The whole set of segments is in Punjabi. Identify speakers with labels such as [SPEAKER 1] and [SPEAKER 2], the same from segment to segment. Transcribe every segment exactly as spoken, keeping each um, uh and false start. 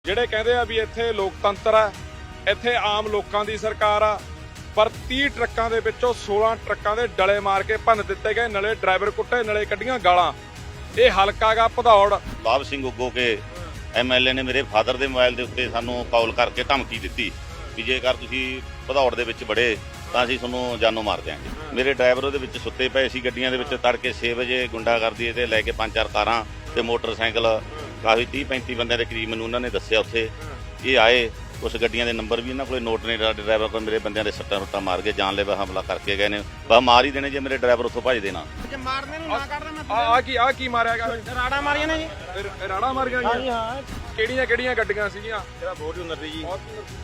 [SPEAKER 1] ਜਿਹੜੇ ਕਹਿੰਦੇ ਆ ਵੀ ਇੱਥੇ ਲੋਕਤੰਤਰ ਆ, ਇੱਥੇ ਆਮ ਲੋਕਾਂ ਦੀ ਸਰਕਾਰ ਆ, ਪਰ ਤੀਹ ਟਰੱਕਾਂ ਦੇ ਵਿੱਚੋਂ ਸੋਲਾਂ ਟਰੱਕਾਂ ਦੇ ਡਲੇ ਮਾਰ ਕੇ ਭੰਨ ਦਿੱਤੇ ਗਏ, ਨਲੇ ਡਰਾਈਵਰ ਕੁੱਟੇ, ਨਲੇ ਕੱਢੀਆਂ ਗਾਲਾਂ। ਇਹ ਹਲਕਾ ਗਾ ਭਦੌੜ।
[SPEAKER 2] ਲਾਭ ਸਿੰਘ ਉੱਗੋ ਕੇ ਐਮਐਲਏ ਨੇ ਮੇਰੇ ਫਾਦਰ ਦੇ ਮੋਬਾਈਲ ਦੇ ਉੱਤੇ ਸਾਨੂੰ ਕਾਲ ਕਰਕੇ ਧਮਕੀ ਦਿੱਤੀ ਵੀ ਜੇਕਰ ਤੁਸੀਂ ਭਦੌੜ ਦੇ ਵਿੱਚ ਵੜੇ ਤਾਂ ਅਸੀਂ ਤੁਹਾਨੂੰ ਜਾਨੋਂ ਮਾਰ ਦਿਆਂਗੇ। ਮੇਰੇ ਡਰਾਈਵਰ ਉਹਦੇ ਵਿੱਚ ਸੁੱਤੇ ਪਏ ਸੀ ਗੱਡੀਆਂ ਦੇ ਵਿੱਚ। ਤੜਕੇ ਛੇ ਵਜੇ ਗੁੰਡਾਗਰਦੀ ਤੇ ਲੈ ਕੇ ਪੰਜ ਚਾਰ ਕਾਰਾਂ ਤੇ ਮੋਟਰਸਾਈਕਲ ਕਾਫੀ ਤੀਹ ਪੈਂਤੀ ਬੰਦਿਆਂ ਦੇ ਕਰੀਬ ਮੈਨੂੰ ਉਹਨਾਂ ਨੇ ਦੱਸਿਆ ਉੱਥੇ। ਇਹ ਆਏ, ਕੁਛ ਗੱਡੀਆਂ ਦੇ ਨੰਬਰ ਵੀ ਇਹਨਾਂ ਕੋਲੇ ਨੋਟ ਨੇ। ਡਰਾਈਵਰ ਕੋਲ ਮੇਰੇ ਬੰਦਿਆਂ ਦੇ ਸੱਟਾਂ ਸੁੱਟਾਂ ਮਾਰ ਕੇ ਜਾਨਲੇਵਾ ਹਮਲਾ ਕਰਕੇ ਗਏ ਨੇ। ਬਸ ਮਾਰ ਹੀ ਦੇਣੇ ਜੇ ਮੇਰੇ ਡਰਾਈਵਰ ਉੱਥੋਂ ਭੱਜ ਦੇਣਾ।
[SPEAKER 3] ਜੇ ਮਾਰਨੇ ਨੂੰ ਨਾ ਕੱਢਦਾ ਮੈਂ
[SPEAKER 1] ਆ ਆ ਕੀ ਆ ਕੀ ਮਾਰਿਆਗਾ?
[SPEAKER 3] ਰਾੜਾ ਮਾਰੀਆਂ ਨੇ ਜੀ।
[SPEAKER 1] ਇਹ ਰਾੜਾ ਮਾਰ ਗਿਆ
[SPEAKER 3] ਹਾਂਜੀ ਹਾਂ।
[SPEAKER 1] ਕਿਹੜੀਆਂ ਕਿਹੜੀਆਂ ਗੱਡੀਆਂ ਸੀਗੀਆਂ?
[SPEAKER 3] ਇਹਦਾ ਫੋਰਚੂਨਰ ਦੀ ਜੀ।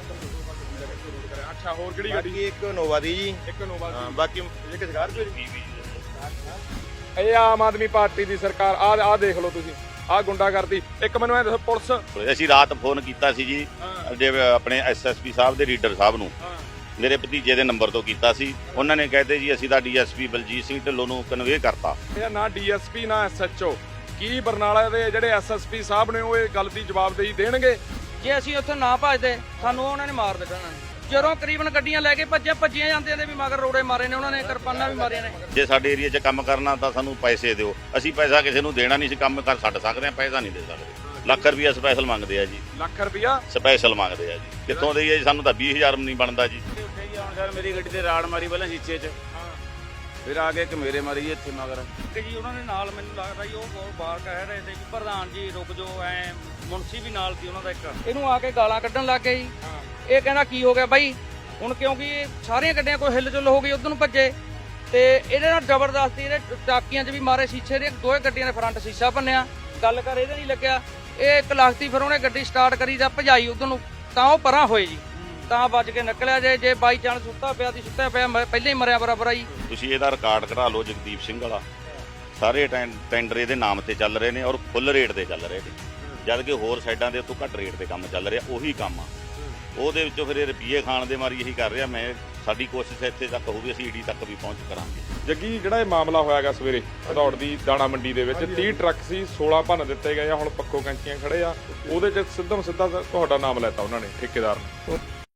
[SPEAKER 1] ਅੱਛਾ, ਹੋਰ ਕਿਹੜੀ ਗੱਡੀ?
[SPEAKER 3] ਬਾਕੀ ਇੱਕ ਨੋਵਾ ਦੀ ਜੀ।
[SPEAKER 1] ਇੱਕ ਨੋਵਾ
[SPEAKER 3] ਹਾਂ,
[SPEAKER 1] ਦੀ।
[SPEAKER 3] ਬਾਕੀ ਇੱਕ ਸਕਾਰਪੀਓ ਦੀ।
[SPEAKER 1] ਇਹ ਆਮ ਆਦਮੀ ਪਾਰਟੀ ਦੀ ਸਰਕਾਰ। ਆ ਆ ਦੇਖ ਲਓ ਤੁਸੀਂ, ਆ ਗੁੰਡਾਗਰਦੀ। ਇੱਕ ਮੈਨੂੰ ਐ ਦੱਸੋ, ਪੁਲਿਸ
[SPEAKER 2] ਅਸੀਂ ਰਾਤ ਫੋਨ ਕੀਤਾ ਸੀ ਜੀ ਆਪਣੇ ਐਸਐਸਪੀ ਸਾਹਿਬ ਦੇ ਰੀਡਰ ਸਾਹਿਬ ਨੂੰ। ਮੇਰੇ ਭਤੀਜੇ ਦੇ ਨੰਬਰ ਤੋਂ ਕੀਤਾ ਸੀ। ਉਹਨਾਂ ਨੇ ਕਹਤੇ ਜੀ ਅਸੀਂ ਤਾਂ ਡੀਐਸਪੀ ਬਲਜੀਤ ਸਿੰਘ ਢਿੱਲੋਂ ਨੂੰ ਕਨਵੇ ਕਰਤਾ।
[SPEAKER 1] ਇਹ ਨਾ ਡੀਐਸਪੀ ਨਾ ਐਸਐਚਓ। ਕੀ ਬਰਨਾਲਾ ਦੇ ਜਿਹੜੇ ਐਸਐਸਪੀ ਸਾਹਿਬ ਨੇ ਉਹ ਇਹ ਗੱਲ ਦੀ ਜਵਾਬਦੇਹੀ ਦੇਣਗੇ?
[SPEAKER 4] ਜੇ ਅਸੀਂ ਉੱਥੇ ਨਾ ਭੱਜਦੇ ਸਾਨੂੰ ਉਹਨਾਂ ਨੇ ਮਾਰ ਦੇਣਾ। ਜਦੋਂ ਕਰੀਬਨ ਗੱਡੀਆਂ ਲੈ ਕੇ ਭੱਜੇ ਭੱਜੀਆਂ ਜਾਂਦੇ ਨੇ ਵੀ ਮਗਰ ਰੋੜੇ ਮਾਰੇ ਨੇ ਉਹਨਾਂ ਨੇ, ਕਿਰਪਾਨਾਂ ਵੀ ਮਾਰੀਆਂ ਨੇ।
[SPEAKER 2] ਜੇ ਸਾਡੇ ਏਰੀਆ 'ਚ ਕੰਮ ਕਰਨਾ ਤਾਂ ਸਾਨੂੰ ਪੈਸੇ ਦਿਓ। ਅਸੀਂ ਪੈਸਾ ਕਿਸੇ ਨੂੰ ਦੇਣਾ ਨਹੀਂ ਸੀ, ਕੰਮ ਕਰ ਛੱਡ ਸਕਦੇ ਹਾਂ, ਪੈਸਾ ਨਹੀਂ ਦੇ ਸਕਦੇ। ਲੱਖ ਰੁਪਈਆ ਸਪੈਸ਼ਲ ਮੰਗਦੇ ਆ ਜੀ।
[SPEAKER 1] ਲੱਖ ਰੁਪਈਆ
[SPEAKER 2] ਸਪੈਸ਼ਲ ਮੰਗਦੇ ਆ ਜੀ। ਕਿੱਥੋਂ ਦੇਈਏ ਜੀ? ਸਾਨੂੰ ਤਾਂ ਵੀਹ ਹਜ਼ਾਰ ਨਹੀਂ ਬਣਦਾ ਜੀ।
[SPEAKER 3] ਉੱਥੇ ਜੀ ਹੁਣ ਸਰ ਮੇਰੀ ਗੱਡੀ ਤੇ ਰਾੜ ਮਾਰੀ ਪਹਿਲਾਂ ਸ਼ੀਸ਼ੇ 'ਚ, ਫਿਰ ਆ ਕੇ ਇੱਕ ਮੇਰੇ ਮਾਰੀ ਜੀ ਇੱਥੇ ਮਗਰ।
[SPEAKER 4] ਕਿ ਜੀ ਉਹਨਾਂ ਦੇ ਨਾਲ ਮੈਨੂੰ ਲੱਗਦਾ ਜੀ ਉਹ ਬਹੁਤ ਬਾਹਰ ਕਹਿ ਰਹੇ ਤੇ ਵੀ ਪ੍ਰਧਾਨ ਜੀ ਰੁਕ ਜਾਓ, ਐ ਮੁਨਸੀ ਵੀ ਨਾਲ ਸੀ ਉਹਨਾਂ ਦਾ ਇੱਕ। ਇਹਨੂੰ ਆ ਕੇ ਗਾਲਾਂ ਕੱਢਣ ਲੱਗ ਗਏ ਜੀ। ਇਹ ਕਹਿੰਦਾ ਕੀ ਹੋ ਗਿਆ ਬਾਈ ਹੁਣ, ਕਿਉਂਕਿ ਸਾਰੀਆਂ ਗੱਡੀਆਂ ਕੋਈ ਹਿੱਲ ਜੁਲ ਹੋ ਗਈ ਉਧਰ ਨੂੰ ਭੱਜੇ ਤੇ ਇਹਦੇ ਨਾਲ ਜ਼ਬਰਦਸਤੀ ਇਹਦੇ ਟਾਕੀਆਂ 'ਚ ਵੀ ਮਾਰੇ ਸ਼ੀਸ਼ੇ ਦੇ। ਦੋਵੇਂ ਗੱਡੀਆਂ ਦੇ ਫਰੰਟ ਸ਼ੀਸ਼ਾ ਭੰਨਿਆ। ਗੱਲ ਕਰ ਇਹਦੇ ਨਹੀਂ ਲੱਗਿਆ। ਇਹ ਇੱਕ ਲਖਤੀ ਫਿਰ ਉਹਨੇ ਗੱਡੀ ਸਟਾਰਟ ਕਰੀ ਜਾਂ ਭਜਾਈ ਉਧਰ ਨੂੰ, ਤਾਂ ਉਹ ਪਰਾਂ ਹੋਏ ਜੀ, ਤਾਂ ਵੱਜ ਕੇ ਨਿਕਲਿਆ। ਜੇ ਜੇ ਬਾਈ ਚਾਂਸ ਸੁੱਤਾ ਪਿਆ ਦੀ ਸੁੱਤਾ ਪਿਆ ਪਹਿਲਾਂ ਹੀ ਮਰਿਆ ਬਰਾਬਰ ਆ ਜੀ।
[SPEAKER 2] ਤੁਸੀਂ ਇਹਦਾ ਰਿਕਾਰਡ ਕਢਾ ਲਓ ਜਗਦੀਪ ਸਿੰਘ ਵਾਲਾ। ਸਾਰੇ ਟੈਂਡਰ ਇਹਦੇ ਨਾਮ ਤੇ ਚੱਲ ਰਹੇ ਨੇ ਔਰ ਫੁੱਲ ਰੇਟ ਤੇ ਚੱਲ ਰਹੇ ਨੇ, ਜਦ ਕਿ ਹੋਰ ਸਾਈਡਾਂ ਦੇ ਉੱਤੋਂ ਘੱਟ ਰੇਟ ਤੇ ਕੰਮ ਚੱਲ ਰਿਹਾ। ਉਹੀ ਕੰਮ ਆ ਉਹਦੇ ਵਿੱਚੋਂ ਫਿਰ ਇਹ ਰੁਪਈਏ ਖਾਣ ਦੇ ਮਾਰੀ ਇਹੀ ਕਰ ਰਿਹਾ। ਮੈਂ ਸਾਡੀ ਕੋਸ਼ਿਸ਼ ਇੱਥੇ ਤੱਕ ਹੋਊਗੀ, ਅਸੀਂ ਈਡੀ ਤੱਕ ਵੀ ਪਹੁੰਚ ਕਰਾਂਗੇ।
[SPEAKER 1] ਜੱਗੀ, ਜਿਹੜਾ ਇਹ ਮਾਮਲਾ ਹੋਇਆਗਾ ਸਵੇਰੇ ਭਦੌੜ ਦੀ ਦਾਣਾ ਮੰਡੀ ਦੇ ਵਿੱਚ, ਤੀਹ ਟਰੱਕ ਸੀ, ਸੋਲਾਂ ਭੰਨ ਦਿੱਤੇ ਗਏ ਆ। ਹੁਣ ਪੱਖੋ ਕੈਂਚੀਆਂ ਖੜੇ ਆ, ਉਹਦੇ 'ਚ ਸਿੱਧਮ ਸਿੱਧਾ ਤੁਹਾਡਾ ਨਾਮ ਲੈਤਾ ਉਹਨਾਂ ਨੇ, ਠੇਕੇਦਾਰ ਨੇ।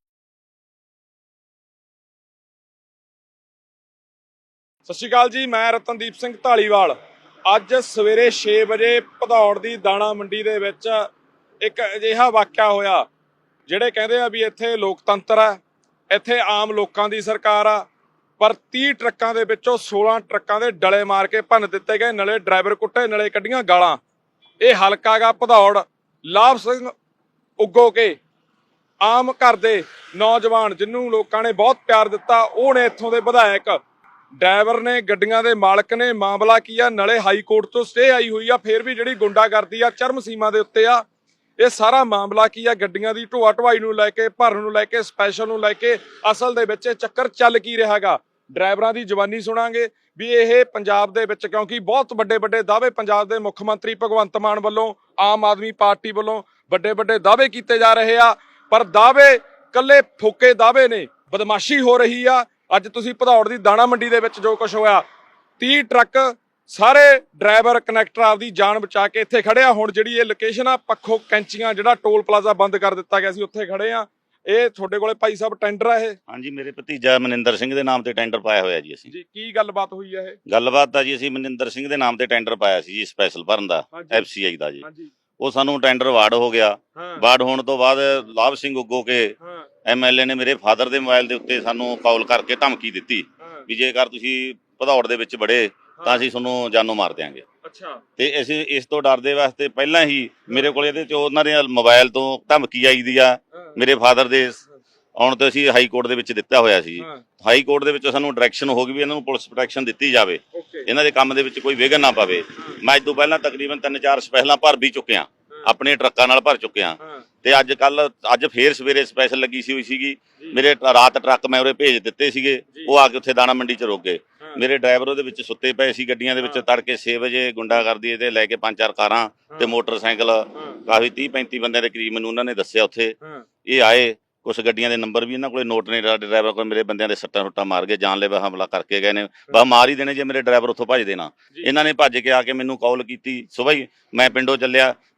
[SPEAKER 1] ਸਤਿ ਸ਼੍ਰੀ ਅਕਾਲ ਜੀ, ਮੈਂ ਰਤਨਦੀਪ ਸਿੰਘ ਢਾਲੀਵਾਲ। ਅੱਜ ਸਵੇਰੇ ਛੇ ਵਜੇ ਭਦੌੜ ਦੀ ਦਾਣਾ ਮੰਡੀ ਦੇ ਵਿੱਚ ਇੱਕ ਅਜਿਹਾ ਵਾਕਿਆ ਹੋਇਆ, ਜਿਹੜੇ ਕਹਿੰਦੇ ਆ ਵੀ ਇੱਥੇ ਲੋਕਤੰਤਰ ਆ, ਇੱਥੇ ਆਮ ਲੋਕਾਂ ਦੀ ਸਰਕਾਰ ਆ, ਪਰ ਤੀਹ ਟਰੱਕਾਂ ਦੇ ਵਿੱਚੋਂ ਸੋਲਾਂ ਟਰੱਕਾਂ ਦੇ ਡਲੇ ਮਾਰ ਕੇ ਭੰਨ ਦਿੱਤੇ ਗਏ, ਨਲੇ ਡਰਾਈਵਰ ਕੁੱਟੇ, ਨਲੇ ਕੱਢੀਆਂ ਗਾਲਾਂ। ਇਹ ਹਲਕਾ ਗਾ ਭਦੌੜ। ਲਾਭ ਸਿੰਘ ਉੱਗੋ ਕੇ ਆਮ ਘਰ ਦੇ ਨੌਜਵਾਨ ਜਿਹਨੂੰ ਲੋਕਾਂ ਨੇ ਬਹੁਤ ਪਿਆਰ ਦਿੱਤਾ, ਉਹ ਨੇ ਇੱਥੋਂ ਦੇ ਵਿਧਾਇਕ। ਡਰਾਈਵਰ ਨੇ, ਗੱਡੀਆਂ ਦੇ ਮਾਲਕ ਨੇ। ਮਾਮਲਾ ਕੀ ਆ? ਨਲੇ ਹਾਈ ਕੋਰਟ ਤੋਂ ਸਟੇ ਆਈ ਹੋਈ ਆ, ਫਿਰ ਵੀ ਜਿਹੜੀ ਗੁੰਡਾਗਰਦੀ ਆ ਚਰਮ ਸੀਮਾ ਦੇ ਉੱਤੇ ਆ। ਇਹ ਸਾਰਾ ਮਾਮਲਾ ਕੀ ਆ? ਗੱਡੀਆਂ ਦੀ ਢੋਆ ਢਵਾਈ ਨੂੰ ਲੈ ਕੇ, ਭਰਨ ਨੂੰ ਲੈ ਕੇ, ਸਪੈਸ਼ਲ ਨੂੰ ਲੈ ਕੇ, ਅਸਲ ਦੇ ਵਿੱਚ ਇਹ ਚੱਕਰ ਚੱਲ ਕੀ ਰਿਹਾ ਹੈਗਾ? ਡਰਾਈਵਰਾਂ ਦੀ ਜ਼ਬਾਨੀ ਸੁਣਾਂਗੇ ਵੀ ਇਹ ਪੰਜਾਬ ਦੇ ਵਿੱਚ, ਕਿਉਂਕਿ ਬਹੁਤ ਵੱਡੇ ਵੱਡੇ ਦਾਅਵੇ ਪੰਜਾਬ ਦੇ ਮੁੱਖ ਮੰਤਰੀ ਭਗਵੰਤ ਮਾਨ ਵੱਲੋਂ, ਆਮ ਆਦਮੀ ਪਾਰਟੀ ਵੱਲੋਂ ਵੱਡੇ ਵੱਡੇ ਦਾਅਵੇ ਕੀਤੇ ਜਾ ਰਹੇ ਆ, ਪਰ ਦਾਅਵੇ ਕੱਲੇ ਫੋਕੇ ਦਾਅਵੇ ਨੇ, ਬਦਮਾਸ਼ੀ ਹੋ ਰਹੀ ਆ। ਅੱਜ ਤੁਸੀਂ ਭਦੌੜ ਦੀ ਦਾਣਾ ਮੰਡੀ ਦੇ ਵਿੱਚ ਜੋ ਕੁਝ ਹੋਇਆ, ਤੀਹ ਟਰੱਕ, ਸਾਰੇ ਡਰਾਈਵਰ ਕਨੈਕਟਰ ਆਪਦੀ ਜਾਨ ਬਚਾ ਕੇ ਇੱਥੇ ਖੜੇ ਆ। ਹੁਣ ਜਿਹੜੀ ਇਹ ਲੋਕੇਸ਼ਨ ਆ ਪੱਖੋ ਕੈਂਚੀਆਂ, ਜਿਹੜਾ ਟੋਲ ਪਲਾਜ਼ਾ ਬੰਦ ਕਰ ਦਿੱਤਾ ਗਿਆ ਸੀ, ਉੱਥੇ ਖੜੇ ਆ। ਇਹ ਤੁਹਾਡੇ ਕੋਲੇ ਭਾਈ ਸਾਹਿਬ ਟੈਂਡਰ ਆ ਇਹ?
[SPEAKER 2] ਹਾਂਜੀ, ਮੇਰੇ ਭਤੀਜਾ ਮਨਿੰਦਰ ਸਿੰਘ ਦੇ ਨਾਮ ਤੇ ਟੈਂਡਰ ਪਾਇਆ ਹੋਇਆ ਜੀ ਅਸੀਂ।
[SPEAKER 1] ਜੀ, ਕੀ ਗੱਲਬਾਤ ਹੋਈ ਆ ਇਹ?
[SPEAKER 2] ਗੱਲਬਾਤ ਤਾਂ ਜੀ ਅਸੀਂ ਮਨਿੰਦਰ ਸਿੰਘ ਦੇ ਨਾਮ ਤੇ ਟੈਂਡਰ ਪਾਇਆ ਸੀ ਜੀ, ਸਪੈਸ਼ਲ ਭਰਨ ਦਾ, ਐਫਸੀਆਈ ਦਾ ਜੀ। ਉਹ ਸਾਨੂੰ ਟੈਂਡਰ ਵਾਰਡ ਹੋ ਗਿਆ। ਵਾਰਡ ਹੋਣ ਤੋਂ ਬਾਅਦ ਲਾਭ ਸਿੰਘ ਉੱਗੋ ਕੇ ਐਮਐਲਏ ਨੇ ਮੇਰੇ ਫਾਦਰ ਦੇ ਮੋਬਾਈਲ ਦੇ ਉੱਤੇ ਸਾਨੂੰ ਕਾਲ ਕਰਕੇ ਧਮਕੀ ਦਿੱਤੀ ਵੀ ਜੇਕਰ ਤੁਸੀਂ ਭਦੌੜ ਦੇ ਵਿੱਚ ਵੜੇ ਤਾਂ ਅਸੀਂ ਤੁਹਾਨੂੰ ਜਾਨੋਂ ਮਾਰ ਦਿਆਂਗੇ।
[SPEAKER 1] ਅੱਛਾ। ਤੇ
[SPEAKER 2] ਅਸੀਂ ਇਸ ਤੋਂ ਡਰਦੇ ਵਾਸਤੇ ਪਹਿਲਾਂ ਹੀ ਮੇਰੇ ਕੋਲ ਇਹਦੇ 'ਚ ਉਹਨਾਂ ਦੇ ਮੋਬਾਈਲ ਤੋਂ ਧਮਕੀ ਆਈ ਦੀ ਆ। ਮੇਰੇ ਫਾਦਰ ਦੇ ਆਉਣ ਤੋਂ ਅਸੀਂ ਹਾਈ ਕੋਰਟ ਦੇ ਵਿੱਚ ਦਿੱਤਾ ਹੋਇਆ ਸੀ। ਹਾਈ ਕੋਰਟ ਦੇ ਵਿੱਚ ਸਾਨੂੰ ਡਾਇਰੈਕਸ਼ਨ ਹੋ ਗਈ ਵੀ ਇਹਨਾਂ ਨੂੰ ਪੁਲਿਸ ਪ੍ਰੋਟੈਕਸ਼ਨ ਦਿੱਤੀ ਜਾਵੇ, ਇਹਨਾਂ ਦੇ ਕੰਮ ਦੇ ਵਿੱਚ ਕੋਈ ਵਿਘਨ ਨਾ ਪਵੇ। ਮੈਂ ਅੱਜ ਤੋਂ ਪਹਿਲਾਂ ਤਕਰੀਬਨ ਤਿੰਨ ਚਾਰ ਸਪੈਸ਼ਲਾਂ ਭਰ ਵੀ ਚੁੱਕਿਆ, ਆਪਣੇ ਟਰੱਕਾਂ ਨਾਲ ਭਰ ਚੁੱਕਿਆ। ਤੇ ਅੱਜ ਕੱਲ ਅੱਜ ਫੇਰ ਸਵੇਰੇ ਸਪੈਸ਼ਲ ਲੱਗੀ ਸੀ ਹੋਈ ਸੀਗੀ। ਮੇਰੇ ਰਾਤ ਟਰੱਕ ਮੈਂ ਉਰੇ ਭੇਜ ਦਿੱਤੇ ਸੀਗੇ, ਉਹ ਆ ਕੇ ਉੱਥੇ ਦਾਣਾ ਮੰਡੀ 'ਚ ਰੁਕ ਗਏ। ਮੇਰੇ ਡਰਾਈਵਰ ਉਹਦੇ ਵਿੱਚ ਸੁੱਤੇ ਪਏ ਸੀ ਗੱਡੀਆਂ ਦੇ ਵਿੱਚ। ਤੜਕੇ ਛੇ ਵਜੇ ਗੁੰਡਾਗਰਦੀ ਤੇ ਲੈ ਕੇ ਪੰਜ ਚਾਰ ਕਾਰਾਂ ਤੇ ਮੋਟਰਸਾਈਕਲ ਕਾਫੀ ਤੀਹ ਪੈਂਤੀ ਬੰਦਿਆਂ ਦੇ ਕਰੀਬ ਮੈਨੂੰ ਉਹਨਾਂ ਨੇ ਦੱਸਿਆ ਉੱਥੇ। ਇਹ ਆਏ, ਕੁਛ ਗੱਡੀਆਂ ਦੇ ਨੰਬਰ ਵੀ ਇਹਨਾਂ ਕੋਲੇ ਨੋਟ ਨੇ। ਡਰਾਈਵਰ ਕੋਲ ਮੇਰੇ ਬੰਦਿਆਂ ਦੇ ਸੱਟਾਂ ਸੁੱਟਾਂ ਮਾਰ ਕੇ ਜਾਨਲੇਵਾ ਹਮਲਾ ਕਰਕੇ ਗਏ ਨੇ। ਬਸ ਮਾਰ ਹੀ ਦੇਣੇ ਜੇ ਮੇਰੇ ਡਰਾਈਵਰ ਉੱਥੋਂ ਭੱਜ ਦੇਣਾ। ਇਹਨਾਂ ਨੇ ਭੱਜ ਕੇ ਆ ਕੇ ਮੈਨੂੰ ਕਾਲ ਕੀਤੀ। ਸੁਬਾਹ ਹੀ ਮੈਂ ਪਿੰਡੋਂ ਚੱਲਿਆ,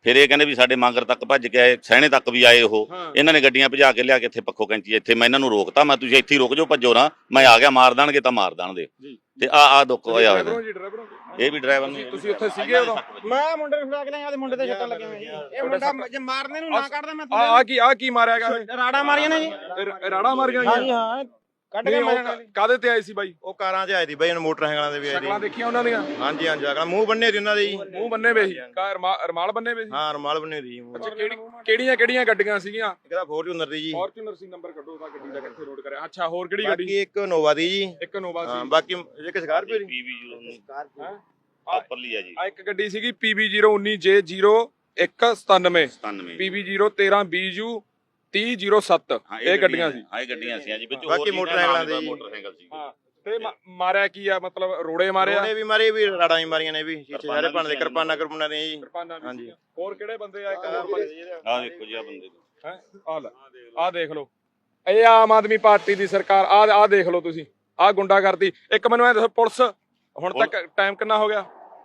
[SPEAKER 2] ਫਿਰ ਇਹ ਕਹਿੰਦੇ ਵੀ ਸਾਡੇ ਮਾਂਗਰ ਤੱਕ ਭੱਜ ਕੇ ਆਏ, ਸਹਿਣੇ ਤੱਕ ਵੀ ਆਏ ਉਹ।
[SPEAKER 1] ਹਾਂ।
[SPEAKER 2] ਇਹਨਾਂ ਨੇ ਗੱਡੀਆਂ ਭਜਾ ਕੇ ਲਿਆ ਕੇ ਇੱਥੇ ਪੱਖੋ ਕੈਂਚੀ ਇੱਥੇ ਮੈਂ ਇਹਨਾਂ ਨੂੰ ਰੋਕਤਾ, ਮੈਂ ਤੁਸੀਂ ਇੱਥੇ ਹੀ ਰੁਕ ਜਾਓ, ਭੱਜੋ ਨਾ, ਮੈਂ ਆ ਗਿਆ, ਮਾਰ ਦੇਣਗੇ ਤਾਂ ਮਾਰ ਦੇਣਗੇ। ਤੇ ਆ ਆ ਦੁੱਖ ਹੋਇਆ ਹੋਇਆ
[SPEAKER 1] ਡਰਾਈਵਰੋਂ ਜੀ ਡਰਾਈਵਰੋਂ
[SPEAKER 2] ਇਹ ਵੀ ਡਰਾਈਵਰ ਨੂੰ।
[SPEAKER 1] ਤੁਸੀਂ ਉੱਥੇ ਸੀਗੇ ਉਦੋਂ?
[SPEAKER 5] ਮੈਂ ਮੁੰਡੇ ਨੂੰ ਫੜਾ ਕੇ ਲਿਆ, ਮੁੰਡੇ ਤੇ ਛੱਟਾਂ ਲੱਗੀਆਂ ਹੋਈਆਂ ਜੀ। ਇਹ ਮੁੰਡਾ ਜੇ ਮਾਰਨੇ ਨੂੰ ਨਾ ਕੱਢਦਾ ਮੈਂ
[SPEAKER 1] ਆ ਆ ਕੀ ਆ ਕੀ ਮਾਰਿਆ ਗਾ ਇਹ?
[SPEAKER 5] ਰਾੜਾ ਮਾਰੀਆਂ ਨੇ ਜੀ।
[SPEAKER 1] ਇਹ ਰਾੜਾ ਮਾਰ ਗਿਆ
[SPEAKER 5] ਹਾਂਜੀ ਹਾਂ, ਕੱਢ ਕੇ ਮਾਰਨ ਵਾਲੀ।
[SPEAKER 1] ਕਾਦੇ ਤੇ ਆਏ ਸੀ ਬਾਈ?
[SPEAKER 6] ਉਹ ਕਾਰਾਂ 'ਚ ਆਏ ਸੀ ਬਾਈ, ਮੋਟਰਸਾਈਕਲਾਂ ਦੇ ਵੀ ਆਏ
[SPEAKER 1] ਸ਼ਕਲਾਂ
[SPEAKER 6] ਸੀ।
[SPEAKER 1] ਦੇਖੀਆਂ ਉਹਨਾਂ ਦੀਆਂ?
[SPEAKER 6] ਹਾਂਜੀ ਹਾਂਜੀ, ਅਗਲਾ ਮੂੰਹ ਬੰਨੇ ਸੀ ਉਹਨਾਂ ਦੇ ਜੀ।
[SPEAKER 1] ਮੂੰਹ ਬੰਨੇ ਵੇ ਸੀ, ਕਾ ਰਮਾਲ ਬੰਨੇ ਵੇ ਸੀ?
[SPEAKER 6] ਹਾਂ, ਰੁਮਾਲ ਬੰਨੇ ਸੀ ਜੀ ਮੂੰਹ।
[SPEAKER 1] ਅੱਛਾ, ਕਿਹੜੀ ਕਿਹੜੀਆਂ ਕਿਹੜੀਆਂ ਗੱਡੀਆਂ ਸੀਗੀਆਂ?
[SPEAKER 6] ਇੱਕ ਤਾਂ ਫੋਰਚੂਨਰ ਦੀ ਜੀ,
[SPEAKER 1] ਫੋਰਚੂਨਰ ਸੀ, ਨੰਬਰ ਕੱਢੋ ਉਹਦਾ ਗੱਡੀ ਦਾ, ਕਿੱਥੇ ਨੋਟ ਕਰਿਆ। ਅੱਛਾ, ਹੋਰ ਕਿਹੜੀ ਗੱਡੀ?
[SPEAKER 6] ਬਾਕੀ ਇੱਕ ਨੋਵਾ ਦੀ ਜੀ।
[SPEAKER 1] ਇੱਕ ਨੋਵਾ
[SPEAKER 6] ਹਾਂ,
[SPEAKER 1] ਸੀ।
[SPEAKER 6] ਬਾਕੀ ਇੱਕ ਸਕਾਰਪੀਓ ਦੀ।
[SPEAKER 2] ਪੀਵੀ ਜ਼ੀਰੋ ਉਨੀ
[SPEAKER 1] ਹੈਂ?
[SPEAKER 2] ਉੱਪਰਲੀ ਆ ਜੀ,
[SPEAKER 1] ਆ ਇੱਕ ਗੱਡੀ ਸੀਗੀ ਪੀ ਬੀ ਜ਼ੀਰੋ ਉੱਨੀ ਜੇ ਜ਼ੀਰੋ ਇੱਕ ਸਤਾਨਵੇਂ,
[SPEAKER 2] ਸਤਾਨਵੇਂ।
[SPEAKER 1] ਪੀ ਬੀ ਜ਼ੀਰੋ ਤੇਰਾਂ ਬੀ ਯੂ ਤੀਹ ਜ਼ੀਰੋ ਸੱਤ।
[SPEAKER 2] ਹਾਂ,
[SPEAKER 1] ਇਹ ਗੱਡੀਆਂ ਸੀ।
[SPEAKER 2] ਹਾਂ, ਇਹ ਗੱਡੀਆਂ ਸੀ ਜੀ, ਵਿੱਚ
[SPEAKER 6] ਬਾਕੀ
[SPEAKER 2] ਹੋਰ
[SPEAKER 6] ਮੋਟਰਸਾਈਕਲਾਂ ਦੇ ਜੀ।
[SPEAKER 2] ਮੋਟਰਸਾਈਕਲ ਸੀ।
[SPEAKER 1] ਹਾਂ, ਤੇ ਮਾ- ਮਾਰਿਆ ਕੀ ਆ, ਮਤਲਬ ਰੋੜੇ ਮਾਰਿਆ?
[SPEAKER 6] ਉਹਨੇ ਵੀ ਮਾਰੇ ਵੀ, ਰਾੜਾਂ ਵੀ ਮਾਰੀਆਂ ਨੇ ਵੀ, ਸ਼ੀਸ਼ੇ ਸਾਰੇ ਭੰਨ ਦੇ, ਕਿਰਪਾਨਾਂ ਕਿਰਪਾਨਾਂ ਨੇ ਜੀ।
[SPEAKER 1] ਕਿਰਪਾਨਾਂ ਵੀ
[SPEAKER 6] ਹਾਂਜੀ।
[SPEAKER 1] ਸੀਗੀਆਂ। ਹੋਰ ਕਿਹੜੇ ਬੰਦੇ ਆ? ਇੱਕ ਹੋਰ ਬੰਦੇ
[SPEAKER 2] ਆਹ ਦੇਖੋ ਜੀ, ਆ ਬੰਦੇ
[SPEAKER 1] ਹੈ, ਆ ਲੈ, ਆ ਦੇਖ ਲਓ, ਇਹ ਆਮ ਆਦਮੀ ਪਾਰਟੀ ਦੀ ਸਰਕਾਰ। ਆ ਆ ਦੇਖ ਲਓ ਤੁਸੀਂ, ਆ ਗੁੰਡਾਗਰਦੀ। ਇੱਕ ਮੈਨੂੰ ਐ ਦੱਸੋ, ਪੁਲਿਸ ਹੁਣ ਤੱਕ ਟਾਈਮ ਕਿੰਨਾ ਹੋ ਗਿਆ?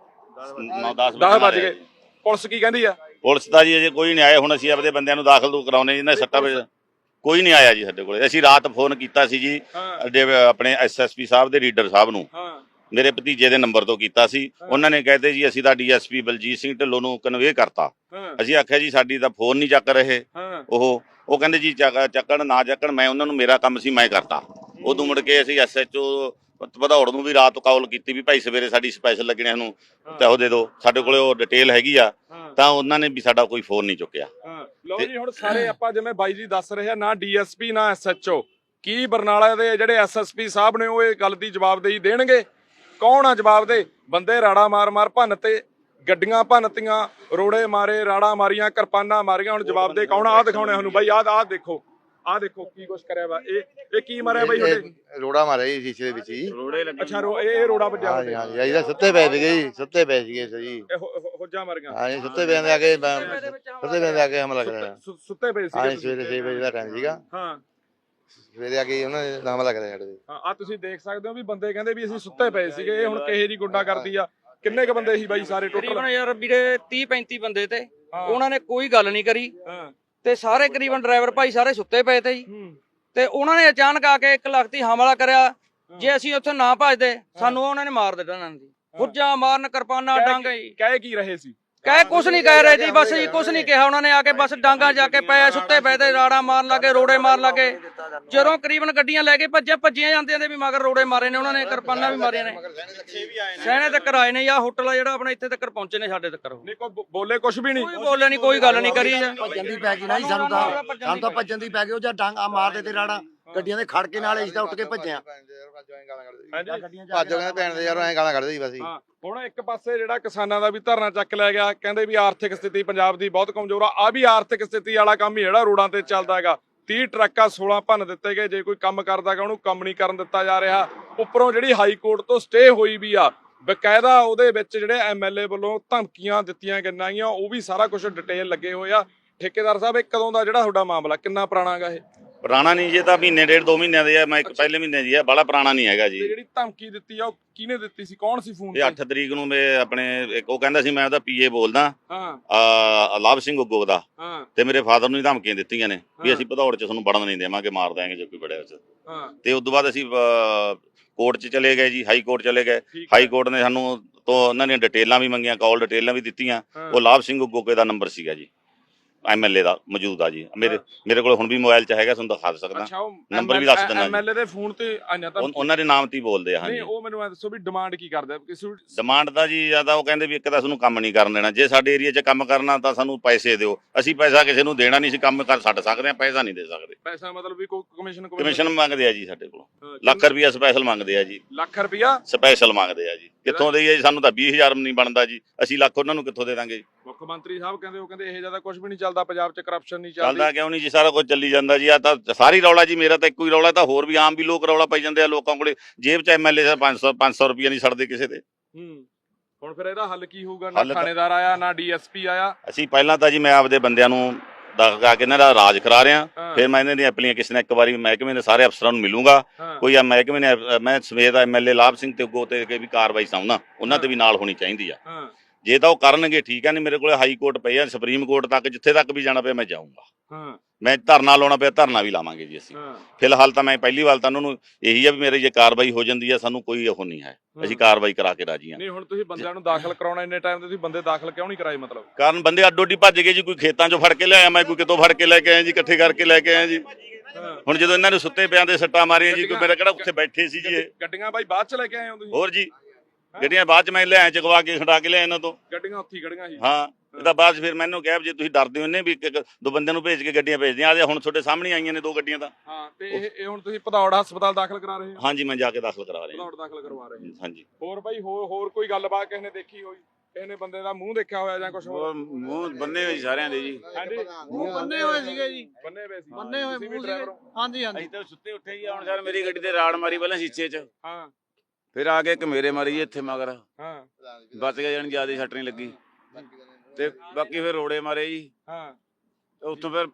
[SPEAKER 2] ਨੌ ਦਸ
[SPEAKER 1] ਦਸ ਵੱਜ ਗਏ। ਪੁਲਿਸ ਕੀ ਕਹਿੰਦੀ ਆ?
[SPEAKER 2] ਪੁਲਿਸ ਦਾ ਜੀ ਅਜੇ ਕੋਈ ਨਹੀਂ ਆਇਆ। ਹੁਣ ਅਸੀਂ ਆਪਦੇ ਬੰਦਿਆਂ ਨੂੰ ਦਾਖਲ ਦੂ ਕਰਾਉਣੇ, ਜਿਹਨਾਂ ਸੱਟਾਂ ਵਿੱਚ ਕੋਈ ਨਹੀਂ ਆਇਆ ਜੀ ਸਾਡੇ ਕੋਲੇ। ਅਸੀਂ ਰਾਤ ਫੋਨ ਕੀਤਾ ਸੀ ਜੀ
[SPEAKER 1] ਹਾਂ
[SPEAKER 2] ਅੱਡੇ ਆਪਣੇ ਐਸ ਐਸ ਪੀ ਸਾਹਿਬ ਦੇ ਰੀਡਰ ਸਾਹਿਬ ਨੂੰ,
[SPEAKER 1] ਹਾਂ
[SPEAKER 2] ਮੇਰੇ ਭਤੀਜੇ ਦੇ ਨੰਬਰ ਤੋਂ ਕੀਤਾ ਸੀ। ਉਹਨਾਂ ਨੇ ਕਹਿੰਦੇ ਜੀ ਅਸੀਂ ਤਾਂ D S P Baljit Singh Dhillon ਨੂੰ ਕਨਵੇ ਕਰਤਾ।
[SPEAKER 1] ਹਾਂ
[SPEAKER 2] ਅਸੀਂ ਆਖਿਆ ਜੀ ਸਾਡੀ ਤਾਂ ਫੋਨ ਨਹੀਂ ਚੱਕ ਰਹੇ
[SPEAKER 1] ਹਾਂ
[SPEAKER 2] ਉਹ ਉਹ ਕਹਿੰਦੇ ਜੀ ਚੱਕ- ਚੱਕਣ ਨਾ ਚੱਕਣ, ਮੈਂ ਉਹਨਾਂ ਨੂੰ, ਮੇਰਾ ਕੰਮ ਸੀ, ਮੈਂ ਕਰਤਾ। ਉਦੋਂ ਮੁੜ ਕੇ ਅਸੀਂ ਐਸ ਐਚ ਓ ਭਦੌੜ ਨੂੰ ਵੀ ਰਾਤ ਕਾਲ ਕੀਤੀ ਵੀ ਭਾਈ ਸਵੇਰੇ ਸਾਡੀ ਸਪੈਸ਼ਲ ਲੱਗਣਿਆਂ ਨੂੰ ਤੇ ਉਹ ਦੇ ਦਿਓ, ਸਾਡੇ ਕੋਲੇ ਉਹ ਡਿਟੇਲ ਹੈਗੀ ਆ।
[SPEAKER 1] ਹਾਂ
[SPEAKER 2] ਤਾਂ ਉਹਨਾਂ ਨੇ ਵੀ ਸਾਡਾ ਕੋਈ ਫੋਨ ਨਹੀਂ ਚੁੱਕਿਆ।
[SPEAKER 1] ਹਾਂ। ਲਓ ਜੀ, ਹੁਣ ਸਾਰੇ ਆਪਾਂ ਜਿਵੇਂ ਬਾਈ ਜੀ ਦੱਸ ਰਹੇ ਆ, ਨਾ ਡੀ ਐਸ ਪੀ ਨਾ ਐਸ ਐਚ ਓ, ਕੀ ਬਰਨਾਲਾ ਦੇ ਜਿਹੜੇ ਐਸ ਐਸ ਪੀ ਸਾਹਿਬ ਨੇ ਉਹ ਇਹ ਗੱਲ ਦੀ ਜਵਾਬਦੇਹੀ ਦੇਣਗੇ? ਕੌਣ ਆ ਜਵਾਬ ਦੇ? ਬੰਦੇ ਰਾੜਾ ਮਾਰ ਮਾਰ ਭੰਨ ਤੇ, ਗੱਡੀਆਂ ਭੰਨਤੀਆਂ, ਰੋੜੇ ਮਾਰੇ, ਰਾੜਾ ਮਾਰੀਆਂ, ਕਿਰਪਾਨਾਂ ਮਾਰੀਆਂ। ਹੁਣ ਜਵਾਬ ਦੇ ਕੌਣ? ਆਹ ਦਿਖਾਉਣੇ ਸਾਨੂੰ ਬਾਈ, ਆਹ ਆਹ ਦੇਖੋ, ਆਹ ਦੇਖੋ ਕੀ ਕੁਛ ਕਰਿਆ ਵਾ। ਇਹ ਇਹ ਕੀ ਮਾਰਿਆ ਬਾਈ ਤੁਹਾਡੇ?
[SPEAKER 7] ਰੋੜਾ ਮਾਰਿਆ ਜੀ ਸ਼ੀਸ਼ੇ ਦੇ ਵਿੱਚ ਜੀ।
[SPEAKER 1] ਅੱਛਾ, ਰੋ ਇਹ ਇਹ ਰੋੜਾ ਵੱਜਿਆ
[SPEAKER 7] ਹਾਂਜੀ
[SPEAKER 1] ਤੁਹਾਡੇ?
[SPEAKER 7] ਹਾਂਜੀ, ਇਹਦਾ ਸੁੱਤੇ ਪਏ ਸੀਗੇ ਜੀ, ਸੁੱਤੇ ਪਏ ਸੀਗੇ ਜੀ।
[SPEAKER 1] ਇਹ ਹੋ- ਹੋ- ਹੋਜਾਂ ਮਾਰੀਆਂ?
[SPEAKER 7] ਹਾਂਜੀ, ਸੁੱਤੇ ਪਏ ਆ ਕੇ ਸੁੱਤੇ ਪਏ ਆ ਕੇ ਹਮਲਾ ਕਰਿਆ।
[SPEAKER 1] ਸੁ- ਸੁੱਤੇ ਪਏ ਸੀਗੇ
[SPEAKER 7] ਹਾਂਜੀ,
[SPEAKER 1] ਤੁਸੀਂ?
[SPEAKER 7] ਸਵੇਰੇ ਛੇ ਵਜੇ ਦਾ ਟਾਈਮ ਸੀਗਾ।
[SPEAKER 1] ਹਾਂ
[SPEAKER 7] ਸਵੇਰੇ ਆ ਕੇ ਉਹਨਾਂ ਨੇ ਹਮਲਾ ਕਰਿਆ ਸਾਡੇ ਤੇ।
[SPEAKER 1] ਹਾਂ, ਆ ਤੁਸੀਂ ਦੇਖ ਸਕਦੇ ਹੋ ਵੀ ਬੰਦੇ ਕਹਿੰਦੇ ਵੀ ਅਸੀਂ ਸੁੱਤੇ ਪਏ ਸੀਗੇ। ਇਹ ਹੁਣ ਕਿਹੇ ਜੀ ਗੁੰਡਾ ਕਰਦੀ ਆ। ਕਿੰਨੇ ਕ ਬੰਦੇ ਸੀ ਬਾਈ ਸਾਰੇ
[SPEAKER 4] ਤਕਰੀਬਨ
[SPEAKER 1] ਟੋਟਲ?
[SPEAKER 4] ਯਾਰ ਵੀਰੇ ਤੀਹ ਪੈਂਤੀ ਬੰਦੇ ਤੇ
[SPEAKER 1] ਹਾਂ।
[SPEAKER 4] ਉਹਨਾਂ ਨੇ ਕੋਈ ਗੱਲ ਨਹੀਂ ਕਰੀ
[SPEAKER 1] ਹਾਂ
[SPEAKER 4] ਤੇ ਸਾਰੇ ਕਰੀਬਨ ਡਰਾਈਵਰ ਭਾਈ ਸਾਰੇ ਸੁੱਤੇ ਪਏ ਤੇ ਜੀ।
[SPEAKER 1] ਹੂੰ
[SPEAKER 4] ਤੇ ਉਹਨਾਂ ਨੇ ਅਚਾਨਕ ਆ ਕੇ ਇੱਕ ਲਖਤੀ ਹਮਲਾ ਕਰਿਆ। ਜੇ ਅਸੀਂ ਉੱਥੇ ਨਾ ਭੱਜਦੇ ਸਾਨੂੰ ਉਹਨਾਂ ਨੇ ਮਾਰ ਦਿੱਤਾ ਇਹਨਾਂ ਦੀ। ਫੁੱਜਾਂ ਮਾਰਨ, ਕਿਰਪਾਨਾਂ, ਡਾਂਗਾ ਜੀ।
[SPEAKER 1] ਕਹਿ ਕੀ ਰਹੇ ਸੀ?
[SPEAKER 4] ਕਹਿ ਕੁਛ ਨਹੀਂ ਕਹਿ ਰਹੇ ਜੀ, ਬਸ ਜੀ ਕੁਛ ਨਹੀਂ ਕਿਹਾ ਉਹਨਾਂ ਨੇ। ਆ ਕੇ ਬਸ ਡਾਂਗਾ ਜਾ ਕੇ ਪਏ, ਸੁੱਤੇ ਪਏ ਤੇ ਰਾੜਾ ਮਾਰਨ ਲੱਗੇ, ਰੋੜੇ ਮਾਰਨ ਲੱਗੇ। ਜਦੋਂ ਕਰੀਬਨ ਗੱਡੀਆਂ ਲੈ ਕੇ ਭੱਜੇ ਭੱਜੀਆਂ ਜਾਂਦੀਆਂ ਨੇ ਵੀ ਮਗਰ ਰੋੜੇ ਮਾਰੇ ਨੇ ਉਹਨਾਂ ਨੇ, ਕਿਰਪਾਨਾਂ ਵੀ ਮਾਰੀਆਂ ਨੇ। ਸਹਿਣੇ ਤੱਕ ਆਏ ਨੇ। ਆ ਹੋਟਲ ਆ ਜਿਹੜਾ ਆਪਣਾ ਇੱਥੇ ਤੱਕ ਪਹੁੰਚੇ ਨੇ ਸਾਡੇ ਤੱਕ।
[SPEAKER 1] ਨਹੀਂ ਕੋਈ ਬੋ- ਬੋਲੇ ਕੁਛ ਵੀ ਨਹੀਂ?
[SPEAKER 4] ਕੋਈ ਬੋਲੇ ਨਹੀਂ, ਕੋਈ ਗੱਲ ਨਹੀਂ ਕਰੀ।
[SPEAKER 8] ਭੱਜਣ ਦੀ ਪੈ ਗਈ ਨਾ ਜੀ ਸਾਨੂੰ ਤਾਂ ਸਾਨੂੰ ਤਾਂ ਭੱਜਣ ਦੀ ਪੈ ਗਈ। ਉਹ ਜਾਂ ਡਾਂਗਾ ਮਾਰਦੇ ਤੇ ਰਾੜਾ ਗੱਡੀਆਂ ਦੇ ਖੜ ਕੇ ਨਾਲ ਅਸੀਂ ਤਾਂ ਉੱਠ ਕੇ ਭੱਜਿਆ।
[SPEAKER 1] ਹਾਂਜੀ।
[SPEAKER 7] ਭਾਜੋ ਕਹਿੰਦੇ ਭੈਣ ਦੇ ਯਾਰ ਐਂ ਗਾਲਾਂ ਕੱਢਦੇ ਸੀ ਬਸ ਜੀ।
[SPEAKER 1] ਹਾਂ, ਹੁਣ ਇੱਕ ਪਾਸੇ ਜਿਹੜਾ ਕਿਸਾਨਾਂ ਦਾ ਵੀ ਧਰਨਾ ਚੱਕ ਲਿਆ ਗਿਆ, ਕਹਿੰਦੇ ਵੀ ਆਰਥਿਕ ਸਥਿਤੀ ਪੰਜਾਬ ਦੀ ਬਹੁਤ ਕਮਜ਼ੋਰ ਆ। ਆ ਵੀ ਆਰਥਿਕ ਸਥਿਤੀ ਵਾਲਾ ਕੰਮ ਹੀ ਜਿਹੜਾ ਰੋਡਾਂ ਤੇ ਚੱਲਦਾ ਹੈਗਾ। ਤੀਹ ਟਰੱਕਾਂ ਸੋਲਾਂ ਭੰਨ ਦਿੱਤੇ ਗਏ। ਜੇ ਕੋਈ ਕੰਮ ਕਰਦਾਗਾ ਉਹਨੂੰ ਕੰਮ ਨਹੀਂ ਕਰਨ ਦਿੱਤਾ ਜਾ ਰਿਹਾ। ਉੱਪਰੋਂ ਜਿਹੜੀ ਹਾਈ ਕੋਰਟ ਤੋਂ ਸਟੇ ਹੋਈ ਵੀ ਆ, ਬਕਾਇਦਾ ਉਹਦੇ ਵਿੱਚ ਜਿਹੜੇ ਐਮ ਐਲ ਏ ਵੱਲੋਂ ਧਮਕੀਆਂ ਦਿੱਤੀਆਂ ਗਈਆਂ, ਉਹ ਵੀ ਸਾਰਾ ਕੁਝ ਡਿਟੇਲ ਲੱਗੇ ਹੋਏ ਆ। ਠੇਕੇਦਾਰ ਸਾਹਿਬ, ਇਹ ਕਦੋਂ ਦਾ ਜਿਹੜਾ ਤੁਹਾਡਾ ਮਾਮਲਾ, ਕਿੰਨਾ ਪੁਰਾਣਾ ਗਾ ਇਹ?
[SPEAKER 2] ਪੁਰਾਣਾ ਨਹੀਂ, ਜੇ ਤਾਂ ਮਹੀਨੇ ਡੇਢ ਦੋ ਮਹੀਨਿਆਂ ਦੇ ਆ। ਮੈਂ ਇੱਕ ਪਹਿਲੇ ਮਹੀਨੇ ਦੀ ਆ, ਬੜਾ ਪੁਰਾਣਾ ਨਹੀਂ ਹੈਗਾ
[SPEAKER 1] ਤੇ
[SPEAKER 2] ਜੀ।
[SPEAKER 1] ਜਿਹੜੀ ਧਮਕੀ ਦਿੱਤੀ ਆ ਉਹ ਕਿਹਨੇ ਦਿੱਤੀ ਸੀ? ਕੌਣ ਸੀ ਫੋਨ
[SPEAKER 2] ਇਹ ਅੱਠ ਤਰੀਕ ਨੂੰ ਮੈਂ ਆਪਣੇ ਇੱਕ ਉਹ ਕਹਿੰਦਾ ਸੀ ਮੈਂ ਉਹਦਾ ਪੀਏ ਬੋਲਦਾ,
[SPEAKER 1] ਹਾਂ
[SPEAKER 2] ਆ ਲਾਭ ਸਿੰਘ ਉਗੋ ਦਾ,
[SPEAKER 1] ਹਾਂ
[SPEAKER 2] ਤੇ ਮੇਰੇ ਫਾਦਰ ਨੂੰ ਹੀ ਧਮਕੀਆਂ ਦਿੱਤੀਆਂ ਨੇ ਵੀ
[SPEAKER 1] ਹਾਂ।
[SPEAKER 2] ਅਸੀਂ ਭਦੌੜ ਚ ਤੁਹਾਨੂੰ ਵੜਨ ਨਹੀਂ ਦੇਵਾਂਗੇ, ਮਾਰ ਦਿਆਂਗੇ ਜੇ ਕੋਈ ਵੜਿਆ ਵਿੱਚ।
[SPEAKER 1] ਹਾਂ
[SPEAKER 2] ਤੇ ਉਸ ਤੋਂ ਬਾਅਦ ਅਸੀਂ ਕੋਰਟ 'ਚ ਚਲੇ ਗਏ ਜੀ, ਹਾਈ ਕੋਰਟ ਚਲੇ ਗਏ।
[SPEAKER 1] ਠੀਕ
[SPEAKER 2] ਹਾਈ ਕੋਰਟ ਨੇ ਸਾਨੂੰ ਤੋਂ ਉਹਨਾਂ ਨੇ ਡਿਟੇਲਾਂ ਵੀ ਮੰਗੀਆਂ, ਕਾਲ ਡਿਟੇਲਾਂ ਵੀ ਦਿੱਤੀਆਂ।
[SPEAKER 1] ਹਾਂ।
[SPEAKER 2] ਉਹ ਲਾਭ ਸਿੰਘ ਉਗੋਕੇ ਦਾ ਨੰਬਰ ਸੀਗਾ ਜੀ, ਐਮ ਐਲ ਏ ਦਾ ਮੌਜੂਦਾ ਜੀ। ਮੇਰੇ ਮੇਰੇ ਕੋਲ ਹੁਣ ਵੀ ਮੋਬਾਈਲ 'ਚ ਹੈਗਾ, ਤੁਹਾਨੂੰ ਦਿਖਾ ਸਕਦਾ।
[SPEAKER 1] ਅੱਛਾ, ਉਹ
[SPEAKER 2] ਨੰਬਰ ਵੀ ਦੱਸ ਦਿੰਦਾ ਜੀ।
[SPEAKER 1] ਐਮ ਐਲ ਏ ਦੇ ਫੋਨ ਤੇ ਆਈਆਂ ਤਾਂ?
[SPEAKER 2] ਉਨ- ਉਹਨਾਂ ਦੇ ਨਾਮ ਤੇ ਹੀ ਬੋਲਦੇ ਆ।
[SPEAKER 1] ਨਹੀਂ,
[SPEAKER 2] ਹਾਂਜੀ,
[SPEAKER 1] ਉਹ ਮੈਨੂੰ ਐ ਦੱਸੋ ਵੀ ਡਿਮਾਂਡ ਕੀ ਕਰਦੇ ਆ? ਕਿਸੇ ਨੂੰ-
[SPEAKER 2] ਡਿਮਾਂਡ ਦਾ ਜੀ ਜਿਆਦਾ ਉਹ ਕਹਿੰਦੇ ਵੀ ਇੱਕ ਤਾਂ ਸਾਨੂੰ ਕੰਮ ਨਹੀਂ ਕਰਨ ਦੇਣਾ। ਜੇ ਸਾਡੇ ਏਰੀਆ 'ਚ ਕੰਮ ਕਰਨਾ ਤਾਂ ਸਾਨੂੰ ਪੈਸੇ ਦਿਓ। ਅਸੀਂ ਪੈਸਾ ਕਿਸੇ ਨੂੰ ਦੇਣਾ ਨਹੀਂ ਸੀ, ਕੰਮ ਕਰ ਛੱਡ ਸਕਦੇ ਆ, ਪੈਸਾ ਨਹੀਂ ਦੇ ਸਕਦੇ।
[SPEAKER 1] ਪੈਸਾ ਮਤਲਬ ਵੀ ਕੋਈ ਕਮਿਸ਼ਨ
[SPEAKER 2] ਕਮਿਸ਼ਨ ਮੰਗਦੇ ਆ ਜੀ ਸਾਡੇ ਕੋਲੋਂ,
[SPEAKER 1] ਹਾਂ,
[SPEAKER 2] ਲੱਖ ਰੁਪਈਆ ਸਪੈਸ਼ਲ ਮੰਗਦੇ ਆ ਜੀ।
[SPEAKER 1] ਲੱਖ ਰੁਪਇਆ
[SPEAKER 2] ਸਪੈਸ਼ਲ ਮੰਗਦੇ ਆ ਜੀ। ਕਿੱਥੋਂ ਦੇਈਏ ਜੀ? ਸਾਨੂੰ ਤਾਂ ਵੀਹ ਹਜ਼ਾਰ ਨਹੀਂ ਬਣਦਾ ਜੀ, ਅਸੀਂ ਲੱਖ ਉਹਨਾਂ ਨੂੰ ਕਿੱਥੋਂ ਦੇ ਦਾਂਗੇ ਜੀ?
[SPEAKER 1] ਮੁੱਖ ਮੰਤਰੀ ਸਾਹਿਬ ਕਹਿੰਦੇ, ਉਹ ਕਹਿੰਦੇ ਇਹ ਜਿਆਦਾ ਕੁਝ ਵੀ ਨਹੀਂ ਚੱਲਦਾ ਪੰਜਾਬ 'ਚ, ਕਰਪਸ਼ਨ ਨਹੀਂ
[SPEAKER 2] ਚੱਲਦਾ
[SPEAKER 1] ਚੱਲਦੀ।
[SPEAKER 2] ਕਿਉਂ ਨਹੀਂ ਜੀ? ਸਾਰਾ ਕੁਝ ਚੱਲੀ ਜਾਂਦਾ ਜੀ। ਆ ਤਾਂ ਸਾਰੀ ਰੌਲਾ ਜੀ, ਮੇਰਾ ਤਾਂ ਇੱਕੋ ਹੀ ਰੌਲਾ, ਤਾਂ ਹੋਰ ਵੀ ਆਮ ਵੀ ਲੋਕ ਰੌਲਾ ਪਾਈ ਜਾਂਦੇ ਆ। ਲੋਕਾਂ ਕੋਲੇ ਜੇਬ 'ਚ ਐਮਐਲਏ ਦਾ ਪੰਜ ਸੌ ਪੰਜ ਸੌ ਰੁਪਈਆ ਨਹੀਂ ਛੱਡਦੇ ਕਿਸੇ ਦੇ।
[SPEAKER 1] ਹੂੰ, ਹੁਣ ਫਿਰ ਇਹਦਾ ਹੱਲ ਕੀ ਹੋਊਗਾ? ਨਾ
[SPEAKER 2] ਹੱਲ ਤਾਂ-
[SPEAKER 1] ਥਾਣੇਦਾਰ ਆਇਆ, ਨਾ ਡੀਐਸਪੀ ਆਇਆ।
[SPEAKER 2] ਅਸੀਂ ਪਹਿਲਾਂ ਤਾਂ ਜੀ ਮੈਂ ਆਪਦੇ ਬੰਦਿਆਂ ਨੂੰ ਦਗਾ ਕੇ ਇਹਨਾਂ ਦਾ ਰਾਜ ਕਰਾ ਰਿਹਾ।
[SPEAKER 1] ਹਾਂ।
[SPEAKER 2] ਫਿਰ ਮੈਂ ਇਹਨਾਂ ਦੀਆਂ ਐਪਲੀਕੇਸ਼ਨ ਇੱਕ ਵਾਰੀ ਮਹਿਕਮੇ ਦੇ ਸਾਰੇ ਅਫਸਰਾਂ ਨੂੰ ਮਿਲੂੰਗਾ।
[SPEAKER 1] ਹਾਂ।
[SPEAKER 2] ਕੋਈ ਆ ਮਹਿਕਮੇ ਨੇ, ਮੈਂ ਸਵੇਰ ਦਾ ਐਮਐਲਏ ਲਾਭ ਸਿੰਘ ਤੇ ਅੱਗੋਂ ਤੇ ਵੀ ਕਾਰਵਾਈ ਚਾਹੁੰਦਾ, ਉਹਨਾਂ ਤੇ ਵੀ ਨਾਲ ਹੋਣੀ ਚਾਹੀਦੀ ਆ।
[SPEAKER 1] ਹਾਂ
[SPEAKER 2] ਜੇ ਤਾਂ ਉਹ ਕਰਨਗੇ ਠੀਕ ਆ, ਨਹੀਂ ਮੇਰੇ ਕੋਲੇ ਹਾਈ ਕੋਰਟ ਪਏ ਆ, ਸੁਪਰੀਮ ਕੋਰਟ ਤੱਕ, ਜਿੱਥੇ ਤੱਕ ਵੀ ਜਾਣਾ ਪਿਆ ਮੈਂ ਜਾਊਂਗਾ।
[SPEAKER 1] ਹਾਂ
[SPEAKER 2] ਮੈਂ ਧਰਨਾ ਲਾਉਣਾ ਪਿਆ ਧਰਨਾ ਵੀ ਲਾਵਾਂਗੇ ਜੀ ਅਸੀਂ।
[SPEAKER 1] ਹਾਂ
[SPEAKER 2] ਫਿਲਹਾਲ ਤਾਂ ਮੈਂ ਪਹਿਲੀ ਵਾਰ ਤਾਂ ਉਹਨਾਂ ਨੂੰ ਇਹੀ ਆ ਵੀ ਮੇਰੇ ਜੇ ਕਾਰਵਾਈ ਹੋ ਜਾਂਦੀ ਆ ਸਾਨੂੰ ਕੋਈ ਉਹ ਨਹੀਂ ਹੈ, ਅਸੀਂ ਕਾਰਵਾਈ ਕਰਾ ਕੇ ਰਾਜੀ ਆ।
[SPEAKER 1] ਨਹੀਂ ਹੁਣ ਤੁਸੀਂ ਬੰਦਿਆਂ ਨੂੰ ਦਾਖਲ ਕਰਾਉਣਾ ਇੰਨੇ ਟਾਈਮ ਤੇ ਤੁਸੀਂ ਬੰਦੇ ਦਾਖਲ ਕਿਉਂ ਨਹੀਂ ਕਰਾਏ ਮਤਲਬ?
[SPEAKER 2] ਕਾਰਨ ਬੰਦੇ ਅੱਡੋ ਅੱਡੀ ਭੱਜ ਗਏ ਜੀ, ਕੋਈ ਖੇਤਾਂ ਚੋਂ ਫੜ ਕੇ ਲਿਆਇਆ ਮੈਂ, ਕੋਈ ਕਿਤੋਂ ਫੜ ਕੇ ਲੈ ਕੇ ਆਇਆ ਜੀ, ਇਕੱਠੇ ਕਰਕੇ ਲੈ ਕੇ ਆਇਆ ਜੀ। ਹੁਣ ਜਦੋਂ ਇਹਨਾਂ ਨੇ ਸੁੱਤੇ ਪਿਆਂ ਦੇ ਸੱਟਾਂ ਮਾਰੀਆਂ ਜੀ, ਕੋਈ ਮੇਰਾ ਕਿਹੜਾ ਉੱਥੇ ਬੈਠੇ ਸੀ ਜੀ ਇਹ।
[SPEAKER 1] ਗੱਡੀਆਂ ਬਾਈ ਬਾਅਦ ਚ ਲੈ ਕੇ ਆਏ ਹੋ ਤੁਸੀਂ?
[SPEAKER 2] ਹੋਰ ਜੀ ਗੱਡੀਆਂ ਬਾਅਦ ਚ ਮੈਂ ਲਿਆਇਆ ਚਕਵਾ ਕੇ ਖੜਾ ਕੇ ਲਿਆ ਇਹਨਾਂ ਤੋਂ।
[SPEAKER 1] ਗੱਡੀਆਂ ਉੱਥੇ ਹੀ ਖੜੀਆਂ ਸੀ?
[SPEAKER 2] ਹਾਂ ਇਹਦਾ ਬਾਅਦ 'ਚ ਫਿਰ ਮੈਨੂੰ ਕਿਹਾ ਵੀ ਜੇ ਤੁਸੀਂ ਡਰਦੇ ਹੋ ਨੇ ਵੀ ਇੱਕ- ਇੱਕ ਦੋ ਬੰਦਿਆਂ ਨੂੰ ਭੇਜ ਕੇ ਗੱਡੀਆਂ ਭੇਜਦੀਆਂ ਆ, ਹੁਣ ਤੁਹਾਡੇ ਸਾਹਮਣੇ ਆਈਆਂ ਨੇ ਦੋ ਗੱਡੀਆਂ ਤਾਂ।
[SPEAKER 1] ਹਾਂ ਤੇ ਇਹ ਇਹ ਹੁਣ ਤੁਸੀਂ ਭਦੌੜ ਹਸਪਤਾਲ ਦਾਖਲ ਕਰਾ ਰਹੇ ਹੋ?
[SPEAKER 2] ਹਾਂਜੀ ਮੈਂ ਜਾ ਕੇ ਦਾਖਲ ਕਰਾ ਰਿਹਾ।
[SPEAKER 1] ਭਦੌੜ ਦਾਖਲ ਕਰਵਾ ਰਹੇ ਹੋ?
[SPEAKER 2] ਹਾਂਜੀ।
[SPEAKER 1] ਹੋਰ ਬਾਈ ਹੋਰ ਹੋਰ ਕੋਈ ਗੱਲਬਾਤ ਕਿਸੇ ਨੇ ਦੇਖੀ ਹੋਈ, ਕਿਸੇ ਨੇ ਬੰਦੇ ਦਾ ਮੂੰਹ ਦੇਖਿਆ ਹੋਇਆ ਜਾਂ ਕੁਝ ਹੋਰ?
[SPEAKER 3] ਮੂੰਹ ਬੰਨੇ ਹੋਏ ਸਾਰਿਆਂ ਦੇ ਜੀ।
[SPEAKER 1] ਹਾਂਜੀ
[SPEAKER 5] ਮੂੰਹ ਬੰਨੇ ਹੋਏ ਸੀਗੇ ਜੀ,
[SPEAKER 1] ਬੰਨੇ ਹੋਏ ਸੀ?
[SPEAKER 5] ਬੰਨੇ ਹੋਏ
[SPEAKER 1] ਤੁਸੀਂ ਵੀ
[SPEAKER 5] ਮੂੰਹ
[SPEAKER 1] driver
[SPEAKER 5] ਸੀਗੇ।
[SPEAKER 1] ਹੋ?
[SPEAKER 5] ਹਾਂਜੀ ਹਾਂਜੀ
[SPEAKER 3] ਅਸੀਂ ਤਾਂ ਸੁੱਤੇ ਉੱਠੇ ਜੀ, ਹੁਣ ਸਰ ਮੇਰੀ ਗੱਡੀ ਤੇ ਰਾੜ ਮਾਰੀ ਪਹਿਲਾਂ ਸ਼ੀਸ਼ੇ 'ਚ,
[SPEAKER 1] ਹਾਂ
[SPEAKER 3] ਫਿਰ ਆ ਕੇ ਇੱਕ ਮੇਰੇ ਮਾਰੀ ਜੀ ਇੱਥੇ ਮਗਰ,
[SPEAKER 1] ਹਾਂ
[SPEAKER 3] ਬਚ ਗਿਆ ਜਾਣੀ ਜਿਆਦਾ ਸੱਟ ਨਹੀਂ ਲੱਗੀ, ਤੇ ਬਾਕੀ ਫਿਰ ਰੋੜੇ ਮਾਰੇ ਜੀ।
[SPEAKER 1] ਹਾਂ
[SPEAKER 3] ਤੇ ਉੱਥੋਂ ਫਿਰ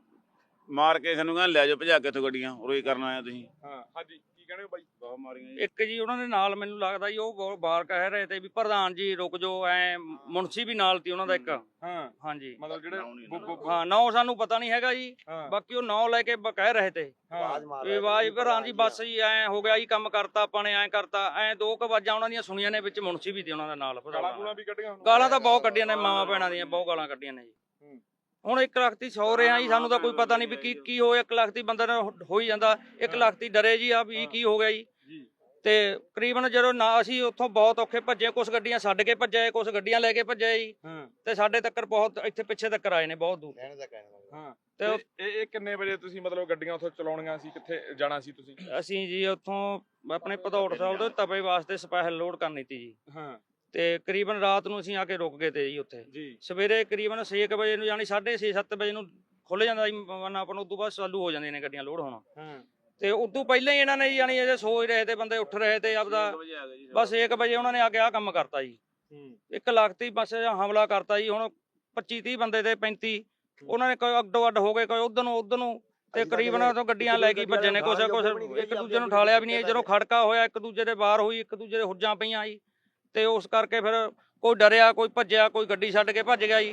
[SPEAKER 3] ਮਾਰ ਕੇ ਸਾਨੂੰ ਕਹਿੰਦੇ ਲੈ ਜਾਓ ਭਜਾ ਕੇ ਇੱਥੋਂ ਗੱਡੀਆਂ, ਰੋਈ ਕਰਨ ਆਇਆ ਤੁਸੀਂ।
[SPEAKER 1] ਹਾਂ ਹਾਂਜੀ ਕੀ ਕਹਿੰਦੇ ਹੋ ਬਾਈ?
[SPEAKER 3] ਬਹੁਤ ਮਾਰੀਆਂ ਜੀ।
[SPEAKER 4] ਇੱਕ ਜੀ ਉਹਨਾਂ ਦੇ ਨਾਲ ਮੈਨੂੰ ਲੱਗਦਾ ਜੀ ਉਹ ਬਹੁਤ ਬਾਰ ਕਹਿ ਰਹੇ ਤੇ ਵੀ ਪ੍ਰਧਾਨ ਜੀ ਰੁਕ ਜਾਓ, ਐ ਮੁਨਸੀ ਵੀ ਨਾਲ ਤੀ ਉਹਨਾਂ ਦਾ ਇੱਕ।
[SPEAKER 1] ਹਾਂ
[SPEAKER 4] ਹਾਂਜੀ
[SPEAKER 1] ਮਤਲਬ ਜਿਹੜੇ ਬੁ- ਬੁ- ਬੁ-
[SPEAKER 4] ਹਾਂ ਨਾਂ ਸਾਨੂੰ ਪਤਾ ਨਹੀਂ ਹੈਗਾ ਜੀ,
[SPEAKER 1] ਹਾਂ
[SPEAKER 4] ਬਾਕੀ ਉਹ ਨਾਂ ਲੈ ਕੇ ਬ- ਕਹਿ ਰਹੇ ਤੇ
[SPEAKER 1] ਹਾਂ
[SPEAKER 4] ਵੀ ਆਵਾਜ਼ ਪ੍ਰਧਾਨ ਜੀ ਬਸ ਜੀ ਐ ਹੋ ਗਿਆ ਜੀ, ਕੰਮ ਕਰਤਾ ਆਪਾਂ ਨੇ, ਐ ਕਰਤਾ ਐ। ਦੋ ਕੁ ਆਵਾਜ਼ਾਂ ਉਹਨਾਂ ਦੀਆਂ ਸੁਣੀਆਂ ਨੇ, ਵਿੱਚ ਮੁਨਸੀ ਵੀ ਤੇ ਉਹਨਾਂ ਦੇ ਨਾਲ।
[SPEAKER 1] ਗਾਲਾਂ ਗੂਲਾਂ ਵੀ ਕੱਢੀਆਂ ਹੁਣ?
[SPEAKER 4] ਗਾਲਾਂ ਤਾਂ ਬਹੁਤ ਕੱਢੀਆਂ ਨੇ, ਮਾਵਾਂ ਭੈਣਾਂ ਦੀਆਂ ਬਹੁਤ ਗਾਲਾਂ ਕੱਢੀਆਂ ਨੇ ਜੀ।
[SPEAKER 1] ਹੂੰ।
[SPEAKER 4] ਹੁਣ ਇੱਕ ਲੱਖ ਦੀ ਸੌ ਰਿਹਾ ਜੀ, ਸਾਨੂੰ ਤਾਂ ਕੋਈ ਪਤਾ ਨਹੀਂ ਵੀ ਕੀ ਕੀ ਹੋਇਆ। ਇੱਕ ਲੱਖ ਦੀ ਬੰਦੇ ਨਾਲ ਹੋ ਹੀ ਜਾਂਦਾ, ਇੱਕ ਲੱਖ ਦੀ ਡਰੇ ਜੀ ਆ ਵੀ ਕੀ ਹੋ ਗਿਆ ਜੀ।
[SPEAKER 1] ਜੀ
[SPEAKER 4] ਤੇ ਤਕਰੀਬਨ ਜਦੋਂ ਨਾ ਅਸੀਂ ਉੱਥੋਂ ਬਹੁਤ ਔਖੇ ਭੱਜੇ, ਕੁਝ ਗੱਡੀਆਂ ਛੱਡ ਕੇ ਭੱਜੇ, ਕੁਝ ਗੱਡੀਆਂ ਲੈ ਕੇ ਭੱਜੇ ਜੀ,
[SPEAKER 1] ਹਾਂ
[SPEAKER 4] ਤੇ ਸਾਡੇ ਤੱਕ ਬਹੁਤ ਇੱਥੇ ਪਿੱਛੇ ਤੱਕ ਆਏ ਨੇ ਬਹੁਤ ਦੂਰ।
[SPEAKER 1] ਹਾਂ
[SPEAKER 4] ਤੇ
[SPEAKER 1] ਤੇ ਇਹ ਇਹ ਕਿੰਨੇ ਵਜੇ ਤੁਸੀਂ ਮਤਲਬ ਗੱਡੀਆਂ ਉੱਥੋਂ ਚਲਾਉਣੀਆਂ ਸੀ, ਕਿੱਥੇ ਜਾਣਾ ਸੀ ਤੁਸੀਂ?
[SPEAKER 4] ਅਸੀਂ ਜੀ ਉੱਥੋਂ ਆਪਣੇ ਭਦੌੜ ਸਾਹਿਬ ਤੋਂ ਤਵੇ ਵਾਸਤੇ ਸਪੈਸ਼ਲ ਲੋਡ ਕਰਨੀ ਤੀ ਜੀ,
[SPEAKER 1] ਹਾਂ
[SPEAKER 4] ਤੇ ਕਰੀਬਨ ਰਾਤ ਨੂੰ ਅਸੀਂ ਆ ਕੇ ਰੁਕ ਗਏ ਤੇ ਜੀ ਉੱਥੇ।
[SPEAKER 1] ਜੀ
[SPEAKER 4] ਸਵੇਰੇ ਕਰੀਬਨ ਛੇ ਕੁ ਵਜੇ ਨੂੰ, ਯਾਨੀ ਸਾਢੇ ਛੇ ਸੱਤ ਵਜੇ ਨੂੰ ਖੁੱਲ ਜਾਂਦਾ ਜੀ ਮਨ ਆਪਣਾ, ਉਦੋਂ ਬਾਅਦ ਚਾਲੂ ਹੋ ਜਾਂਦੀਆਂ ਨੇ ਗੱਡੀਆਂ ਲੋਡ ਹੋਣਾ।
[SPEAKER 1] ਹਾਂ
[SPEAKER 4] ਤੇ ਉਦੋਂ ਪਹਿਲਾਂ ਹੀ ਇਹਨਾਂ ਨੇ ਯਾਨੀ ਇਹ ਸੋਚ ਰਹੇ ਤੇ ਬੰਦੇ ਉੱਠ ਰਹੇ ਤੇ ਆਪਦਾ, ਬਸ ਇੱਕ ਵਜੇ ਉਹਨਾਂ ਨੇ ਆ ਕੇ ਆ ਕੰਮ ਕਰਤਾ ਜੀ।
[SPEAKER 1] ਹੂੰ
[SPEAKER 4] ਇੱਕ ਲੱਖ ਤੀ ਬਸ ਹਮਲਾ ਕਰਤਾ ਜੀ। ਹੁਣ ਪੱਚੀ ਤੀਹ ਬੰਦੇ ਤੇ ਪੈਂਤੀ ਉਹਨਾਂ ਨੇ ਕੋਈ ਅੱਡੋ ਅੱਡ ਹੋ ਗਏ, ਕੋਈ ਉਧਰ ਨੂੰ ਉਧਰ ਨੂੰ, ਤੇ ਕਰੀਬਨ ਤੋਂ ਗੱਡੀਆਂ ਲੈ ਕੇ ਭੱਜੇ ਨੇ। ਕੁਛ ਕੁਛ ਇੱਕ ਦੂਜੇ ਨੂੰ ਠਾਲਿਆ ਵੀ ਨਹੀਂ, ਜਦੋਂ ਖੜਕਾ ਹੋਇਆ ਇੱਕ ਦੂਜੇ ਦੇ ਬਾਹਰ ਹੋਈ, ਇੱਕ ਦੂਜੇ ਦੇ ਹੁੱਜਾਂ ਪਈਆਂ ਜੀ। ਤੇ ਉਸ ਕਰਕੇ ਫਿਰ ਕੋਈ ਡਰਿਆ, ਕੋਈ ਭੱਜਿਆ, ਕੋਈ ਗੱਡੀ ਛੱਡ ਕੇ ਭੱਜ ਗਿਆ ਜੀ,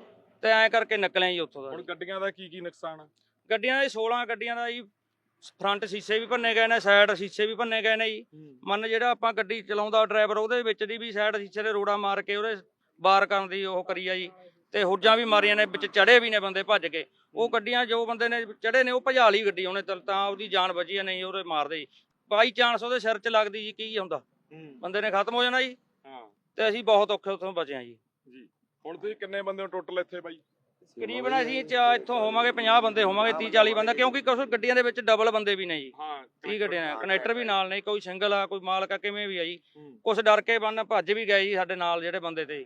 [SPEAKER 4] ਤੇ ਐਂ ਕਰਕੇ ਨਿਕਲੇ ਜੀ ਉੱਥੋਂ ਦਾ।
[SPEAKER 1] ਹੁਣ ਗੱਡੀਆਂ ਦਾ ਕੀ ਕੀ ਨੁਕਸਾਨ ਆ?
[SPEAKER 4] ਗੱਡੀਆਂ ਦੇ ਸੋਲਾਂ ਗੱਡੀਆਂ ਦਾ ਜੀ ਫਰੰਟ ਸ਼ੀਸ਼ੇ ਵੀ ਭੰਨੇ ਗਏ ਨੇ, ਸਾਈਡ ਸ਼ੀਸ਼ੇ ਵੀ ਭੰਨੇ ਗਏ ਨੇ ਜੀ। ਮੰਨ ਜਿਹੜਾ ਆਪਾਂ ਗੱਡੀ ਚਲਾਉਂਦਾ ਡਰਾਈਵਰ, ਉਹਦੇ ਵਿੱਚ ਦੀ ਵੀ ਸਾਈਡ ਸ਼ੀਸ਼ੇ ਦੇ ਰੋੜਾ ਮਾਰ ਕੇ ਉਹਦੇ ਬਾਰ ਕਰਨ ਦੀ ਉਹ ਕਰੀ ਆ ਜੀ। ਤੇ ਹੁੱਜਾਂ ਵੀ ਮਾਰੀਆਂ ਨੇ, ਵਿੱਚ ਚੜੇ ਵੀ ਨੇ ਬੰਦੇ ਭੱਜ ਕੇ। ਉਹ ਗੱਡੀਆਂ ਜੋ ਬੰਦੇ ਨੇ ਚੜੇ ਨੇ ਉਹ ਭਜਾ ਲਈ ਗੱਡੀ ਉਹਨੇ, ਤਾਂ ਉਹਦੀ ਜਾਨ ਬਚੀ ਆ, ਨਹੀਂ ਉਹਦੇ ਮਾਰਦੇ ਜੀ। ਬਾਈ ਚਾਂਸ ਉਹਦੇ ਸਿਰ 'ਚ ਲੱਗਦੀ ਜੀ, ਕੀ ਹੁੰਦਾ, ਬੰਦੇ ਨੇ ਖਤਮ ਹੋ ਜਾਣਾ ਜੀ।
[SPEAKER 1] ਹਾਂ
[SPEAKER 4] ਤੇ ਅਸੀਂ ਬਹੁਤ ਔਖੇ ਉੱਥੋਂ ਬਚੇ ਆ ਜੀ।
[SPEAKER 1] ਜੀ ਹੁਣ ਤੁਸੀਂ ਕਿੰਨੇ ਬੰਦੇ ਹੋ ਟੋਟਲ ਇੱਥੇ ਬਾਈ?
[SPEAKER 4] ਕਰੀਬਨ ਅਸੀਂ ਚਾ- ਇੱਥੋਂ ਹੋਵਾਂਗੇ ਪੰਜਾਹ ਬੰਦੇ ਹੋਵਾਂਗੇ, ਤੀਹ ਚਾਲੀ ਬੰਦਾ, ਕਿਉਂਕਿ ਕੁਝ ਗੱਡੀਆਂ ਦੇ ਵਿੱਚ ਡਬਲ ਬੰਦੇ ਵੀ ਨੇ ਜੀ।
[SPEAKER 1] ਹਾਂ
[SPEAKER 4] ਤੀਹ ਗੱਡੀਆਂ ਨੇ, ਕਨੈਕਟਰ ਵੀ ਨਾਲ ਨੇ, ਕੋਈ ਸਿੰਗਲ ਆ, ਕੋਈ ਮਾਲਕ ਆ, ਕਿਵੇਂ ਵੀ ਆ ਜੀ।
[SPEAKER 1] ਹੂੰ।
[SPEAKER 4] ਕੁਛ ਡਰ ਕੇ ਬੰਨ ਭੱਜ ਵੀ ਗਏ ਜੀ ਸਾਡੇ ਨਾਲ ਜਿਹੜੇ ਬੰਦੇ ਤੇ।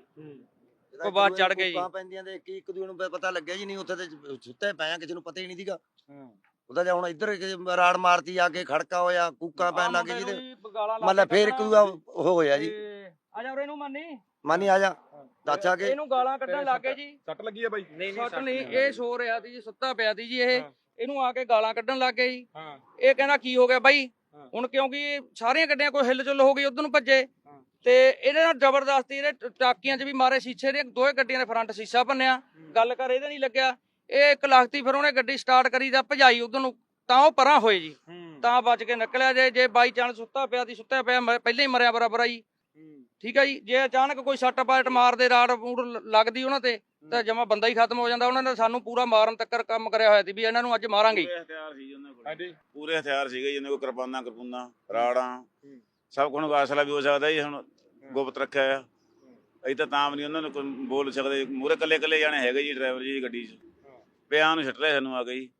[SPEAKER 4] ਉਹ ਬਾਅਦ ਚੜ੍ਹ ਗਏ ਜੀ।
[SPEAKER 8] ਕੂਕਾਂ ਪੈਂਦੀਆਂ ਦੇ ਇੱਕ ਇੱਕ ਦੂਜੇ ਨੂੰ ਪਤਾ ਲੱਗਿਆ ਜੀ, ਨਹੀਂ ਉੱਥੇ ਤੇ ਸੁੱਤੇ ਪਏ ਆ, ਕਿਸੇ ਨੂੰ ਪਤਾ ਹੀ ਨਹੀਂ ਸੀਗਾ।
[SPEAKER 1] ਹਾਂ
[SPEAKER 8] ਉਹਦਾ ਜੇ ਹੁਣ ਇੱਧਰ ਕਿਸੇ ਰਾੜ ਮਾਰਤੀ, ਆ ਕੇ ਖੜਕਾ ਹੋਇਆ, ਕੂਕਾਂ ਪੈਣ ਲੱਗ ਗਏ ਜੀ, ਤੇ
[SPEAKER 4] ਮਤਲਬ
[SPEAKER 8] ਮਤਲਬ ਫੇਰ ਇੱਕ ਦੂਜਾ ਉਹ ਹੋਇਆ ਜੀ।
[SPEAKER 4] ਆ ਜਾ ਉਰੇ ਨੂੰ ਮੰਨੀ,
[SPEAKER 8] ਮਾਨੀ ਆ ਜਾ ਦੱਸ ਆ ਕੇ
[SPEAKER 4] ਇਹਨੂੰ ਗਾਲਾਂ ਕੱਢਣ ਲੱਗ ਗਏ ਜੀ।
[SPEAKER 1] ਸੱਟ ਲੱਗੀ ਆ ਬਾਈ?
[SPEAKER 4] ਸੱਟ ਨਹੀਂ, ਇਹ ਸੋ ਰਿਹਾ ਸੀ ਜੀ, ਸੁੱਤਾ ਪਿਆ ਸੀ ਜੀ ਇਹ। ਇਹਨੂੰ ਆ ਕੇ ਗਾਲਾਂ ਕੱਢਣ ਲੱਗ ਗਏ ਜੀ।
[SPEAKER 1] ਹਾਂ
[SPEAKER 4] ਇਹ ਕਹਿੰਦਾ ਕੀ ਹੋ ਗਿਆ ਬਾਈ।
[SPEAKER 1] ਹਾਂ।
[SPEAKER 4] ਹੁਣ ਕਿਉਂਕਿ ਸਾਰੀਆਂ ਗੱਡੀਆਂ ਕੋਈ ਹਿੱਲ ਚੁੱਲ ਹੋ ਗਈ, ਉਧਰ ਨੂੰ ਭੱਜੇ, ਤੇ ਇਹਦੇ ਨਾਲ ਜ਼ਬਰਦਸਤੀ ਇਹਦੇ ਟਾਕੀਆਂ 'ਚ ਵੀ ਮਾਰੇ, ਸ਼ੀਸ਼ੇ ਦੇ ਦੋਵੇਂ ਗੱਡੀਆਂ ਦੇ ਫਰੰਟ ਸ਼ੀਸ਼ਾ ਭੰਨਿਆ। ਗੱਲ ਕਰ ਇਹਦੇ ਨਹੀਂ ਲੱਗਿਆ, ਇਹ ਇੱਕ ਲੱਖਤੀ, ਫਿਰ ਉਹਨੇ ਗੱਡੀ ਸਟਾਰਟ ਕਰੀ ਤਾਂ ਭਜਾਈ ਉਧਰ ਨੂੰ, ਤਾਂ ਉਹ ਪਰਾਂ ਹੋਏ ਜੀ, ਤਾਂ ਬਚ ਕੇ ਨਿਕਲਿਆ। ਜੇ ਜੇ ਬਾਈ ਚਾਂਸ ਸੁੱਤਾ ਪਿਆ ਦੀ ਸੁੱਤਾ ਪਿਆ ਮ- ਪਹਿਲਾਂ ਹੀ ਮਰਿਆ ਬਰਾਬਰ ਆ ਜੀ। ਠੀਕ ਆ ਜੀ, ਜੇ ਅਚਾਨਕ ਕੋਈ ਸੱਟ ਪਾਟ ਮਾਰਦੇ, ਰਾੜ ਰੂੜ ਲੱਗਦੀ ਉਹਨਾਂ ਤੇ, ਤਾਂ ਜਮਾ ਬੰਦਾ ਹੀ ਖਤਮ ਹੋ ਜਾਂਦਾ। ਉਹਨਾਂ ਨੇ ਸਾਨੂੰ ਪੂਰਾ ਮਾਰਨ ਤੱਕ ਕੰਮ ਕਰਿਆ ਹੋਇਆ ਸੀ ਵੀ ਇਹਨਾਂ ਨੂੰ ਅੱਜ ਮਾਰਾਂਗੇ।
[SPEAKER 3] ਪੂਰੇ ਹਥਿਆਰ ਸੀ ਉਹਨਾਂ ਕੋਲ,
[SPEAKER 1] ਹਾਂਜੀ
[SPEAKER 3] ਪੂਰੇ ਹਥਿਆਰ ਸੀਗੇ ਜੀ ਉਹਨਾਂ ਕੋਲ, ਕਿਰਪਾਨਾਂ ਕਿਰਪੂਨਾਂ ਰਾੜਾਂ ਸਭ ਕੁਝ ਵਾਸਲਾ ਵੀ ਹੋ ਸਕਦਾ ਜੀ। ਹੁਣ ਗੁਪਤ ਰੱਖਿਆ ਆ, ਅਸੀਂ ਤਾਂ ਤਾਂ ਵੀ ਨਹੀਂ ਉਹਨਾਂ ਨੂੰ ਕੋਈ ਬੋਲ ਸਕਦੇ। ਮੂਹਰੇ ਕੱਲੇ ਕੱਲੇ ਜਾਣੇ ਹੈਗੇ ਜੀ ਡਰਾਈਵਰ ਜੀ ਗੱਡੀ 'ਚ, ਪਿਆਂ ਨੂੰ ਛੱਟ ਰਿਹਾ ਸਾਨੂੰ ਆ ਗਈ